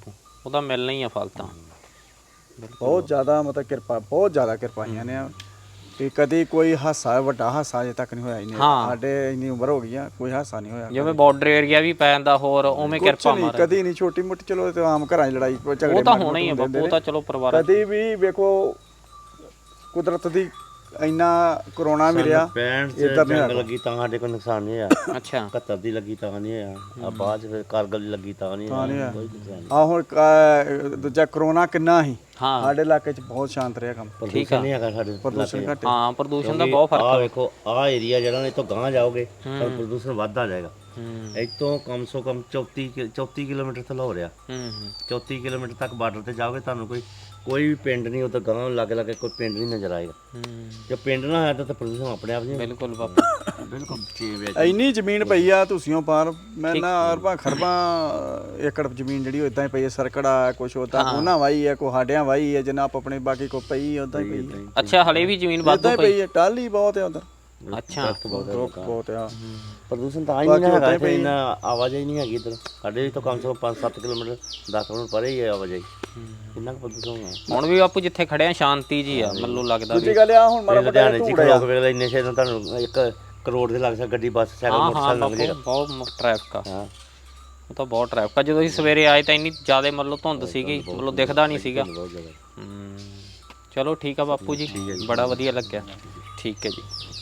[SPEAKER 1] ਉਹਦਾ ਮਿਲਣਾ ਹੀ ਆ ਫਲ ਤਾਂ
[SPEAKER 3] ਬਹੁਤ ਜ਼ਿਆਦਾ ਮਤਲਬ ਕਿਰਪਾ ਬਹੁਤ ਜ਼ਿਆਦਾ ਕਿਰਪਾਈਆਂ ਨੇ ਤੇ ਕਦੀ ਕੋਈ ਹਾਸਾ ਵੱਡਾ ਹਾਸਾ ਅਜੇ ਤੱਕ ਨਹੀਂ ਹੋਇਆ ਇਹਨੇ ਸਾਡੇ ਇੰਨੀ ਉਮਰ ਹੋ ਗਈ ਆ ਕੋਈ ਹਾਸਾ ਨਹੀਂ ਹੋਇਆ
[SPEAKER 1] ਜਿਵੇਂ ਬਾਰਡਰ ਏਰੀਆ ਵੀ ਪੈ ਜਾਂਦਾ ਹੋਰ ਉਵੇਂ ਕਿਰਪਾ
[SPEAKER 3] ਨਹੀਂ ਕਦੀ ਨਹੀਂ ਛੋਟੀ ਮੋਟੀ ਚਲੋ ਤੇ ਆਮ ਘਰਾਂ 'ਚ ਲੜਾਈ ਝਗੜੇ
[SPEAKER 1] ਉਹ ਤਾਂ ਹੋਣਾ ਹੀ ਆ ਬਾਪੂ ਉਹ ਤਾਂ ਚਲੋ ਪਰਿਵਾਰ
[SPEAKER 3] ਕਦੀ ਵੀ ਵੇਖੋ ਕੁਦਰਤ ਦੀ ਇੰਨਾ ਕਰੋਨਾ ਮਿਲਿਆ
[SPEAKER 2] ਪੈਂਹਠ ਚ ਜੰਗ ਲੱਗੀ ਤਾਂ ਸਾਡੇ ਕੋਲ ਨੁਕਸਾਨ ਨਹੀਂ ਹੋਇਆ।
[SPEAKER 1] ਅੱਛਾ
[SPEAKER 2] ਇਕਹੱਤਰ ਦੀ ਲੱਗੀ ਤਾਂ ਨਹੀਂ ਹੋਇਆ। ਆ ਬਾਅਦ ਚ ਫਿਰ ਕਾਰਗਲ ਦੀ ਲੱਗੀ ਤਾਂ ਨਹੀਂ ਹੋਇਆ ਕੋਈ ਨੁਕਸਾਨ
[SPEAKER 3] ਆ ਹੁਣ ਕ- ਦੂਜਾ ਕਰੋਨਾ ਕਿੰਨਾ ਸੀ
[SPEAKER 1] ਹਾਂ
[SPEAKER 3] ਸਾਡੇ ਇਲਾਕੇ 'ਚ ਬਹੁਤ ਸ਼ਾਂਤ ਰਿਹਾ ਕੰਮ
[SPEAKER 2] ਪ੍ਰਦੂਸ਼ਣ ਨਹੀਂ ਹੈਗਾ ਸਾਡੇ
[SPEAKER 3] ਪ੍ਰਦੂਸ਼ਣ ਘੱਟ
[SPEAKER 1] ਹਾਂ ਪ੍ਰਦੂਸ਼ਣ ਦਾ ਬਹੁਤ ਫਰਕ
[SPEAKER 2] ਆ ਵੇਖੋ ਆ ਏਰੀਆ ਜਿਹੜਾ ਇਹ ਤੋਂ ਗਾਂਹ ਜਾਓਗੇ ਤਾਂ ਪ੍ਰਦੂਸ਼ਣ ਵੱਧਦਾ ਜਾਏਗਾ।
[SPEAKER 1] ਹੂੰ
[SPEAKER 2] ਇੱਥੋਂ ਕਮ ਸੋ ਕਮ ਚੌਂਤੀ ਕਿ- ਚੌਂਤੀ ਕਿਲੋਮੀਟਰ ਤੋਂ ਹੋ ਰਿਹਾ।
[SPEAKER 1] ਹੂੰ
[SPEAKER 2] ਚੌਂਤੀ ਕਿਲੋਮੀਟਰ ਤੱਕ ਬਾਰਡਰ ਤੇ ਜਾਓਗੇ ਤੁਹਾਨੂੰ ਕੋਈ ਕੋਈ ਵੀ ਪਿੰਡ ਨਹੀਂ ਉਧਰ ਗਾਂਹ ਲੱਗੇ ਲੱਗੇ ਕੋਈ ਪਿੰਡ ਨਹੀਂ ਨਜ਼ਰ ਆਏਗਾ।
[SPEAKER 1] ਹੂੰ
[SPEAKER 2] ਜੇ ਪਿੰਡ ਨਾ ਹੈ ਤਾਂ ਪ੍ਰਦੂਸ਼ਣ ਆਪਣੇ ਆਪ ਨਹੀਂ
[SPEAKER 1] ਬਿਲਕੁਲ ਬਾਪੂ
[SPEAKER 2] ਬਿਲਕੁਲ ਚੇਂਜ
[SPEAKER 3] ਇੰਨੀ ਜ਼ਮੀਨ ਪਈ ਆ ਤੁਸੀਂੋਂ ਪਾਰ ਮੈਂ ਨਾ ਅਰਬਾਂ ਖਰਬਾਂ ਏਕੜ ਜ਼ਮੀਨ ਜਿਹੜੀ ਇਦਾਂ ਹੀ ਪਈ ਹੈ ਸਰਕੜਾ ਕੁਛ ਉਦਾਂ ਉਹਨਾਂ ਵਾਈ ਹੈ ਕੋ ਸਾਡਿਆਂ ਵਾਈ ਹੈ ਜਿੰਨਾ ਆਪ ਆਪਣੇ ਬਾਕੀ ਕੋ ਪਈ ਉਦਾਂ ਹੀ ਪਈ ਹੈ
[SPEAKER 1] ਅੱਛਾ ਹਲੇ ਵੀ ਜ਼ਮੀਨ ਵਾਧੂ
[SPEAKER 3] ਉਦਾਂ ਹੀ ਪਈ ਹੈ ਟਾਲੀ ਬਹੁਤ ਹੈ ਉਧਰ
[SPEAKER 1] ਅੱਛਾ
[SPEAKER 3] ਬਹੁਤ ਆ
[SPEAKER 2] ਪ੍ਰਦੂਸ਼ਣ ਤਾਂ ਹੀ ਨਹੀਂ ਹੈਗਾ ਇੱਥੇ ਇੰਨਾ ਆਵਾਜਾਈ ਨਹੀਂ ਹੈਗੀ ਇੱਧਰ ਸਾਡੇ ਤੋਂ ਕਮ ਸੇ ਕਮ ਪੰਜ ਸੱਤ ਕਿਲੋਮੀਟਰ ਦਸ ਕਿਲੋਮੀਟਰ ਪਰੇ ਹੀ ਹੈ ਆਵਾਜਾਈ ਕਿੰਨਾ ਕੁ ਪ੍ਰਦੂਸ਼ਣ ਹੋਣਾ।
[SPEAKER 1] ਹੁਣ ਵੀ ਬਾਪੂ ਜਿੱਥੇ ਖੜਿਆ ਸ਼ਾਂਤੀ ਜੀ ਆ ਮੈਨੂੰ ਲੱਗਦਾ ਵੀ
[SPEAKER 3] ਦੂਜੀ ਗੱਲ ਆ ਹੁਣ ਮਾੜਾ ਮੋਟਾ
[SPEAKER 2] ਲੁਧਿਆਣੇ ਚ ਖਲੋਕ ਵੇਲੇ ਇੰਨੇ ਛੇ ਨੂੰ ਤੁਹਾਨੂੰ ਇੱਕ ਕਰੋੜ ਦੇ ਲੱਗ ਸਕਦਾ ਗੱਡੀ ਬੱਸ ਸਾਈਕਲ
[SPEAKER 1] ਹਾਂ ਹਾਂ
[SPEAKER 2] ਮੋਟਰਸਾਈਕਲ ਲੰਘ
[SPEAKER 1] ਬਾਪੂ
[SPEAKER 2] ਜਾਏਗਾ।
[SPEAKER 1] ਬਹੁਤ ਟ੍ਰੈਫਿਕ ਆ
[SPEAKER 2] ਹਾਂ
[SPEAKER 1] ਉਹ ਤਾਂ ਬਹੁਤ ਟ੍ਰੈਫਿਕ ਆ ਜਦੋਂ ਅਸੀਂ ਸਵੇਰੇ ਆਏ ਤਾਂ ਇੰਨੀ ਜ਼ਿਆਦਾ ਮਤਲਬ ਧੁੰਦ ਸੀਗੀ ਮਤਲਬ ਦਿਖਦਾ ਨਹੀਂ ਸੀਗਾ
[SPEAKER 2] ਬਹੁਤ ਜ਼ਿਆਦਾ
[SPEAKER 1] ਹੂੰ ਚਲੋ ਠੀਕ ਆ ਬਾਪੂ ਜੀ ਬੜਾ ਵਧੀਆ ਲੱਗਿਆ ਠੀਕ ਹੈ ਜੀ।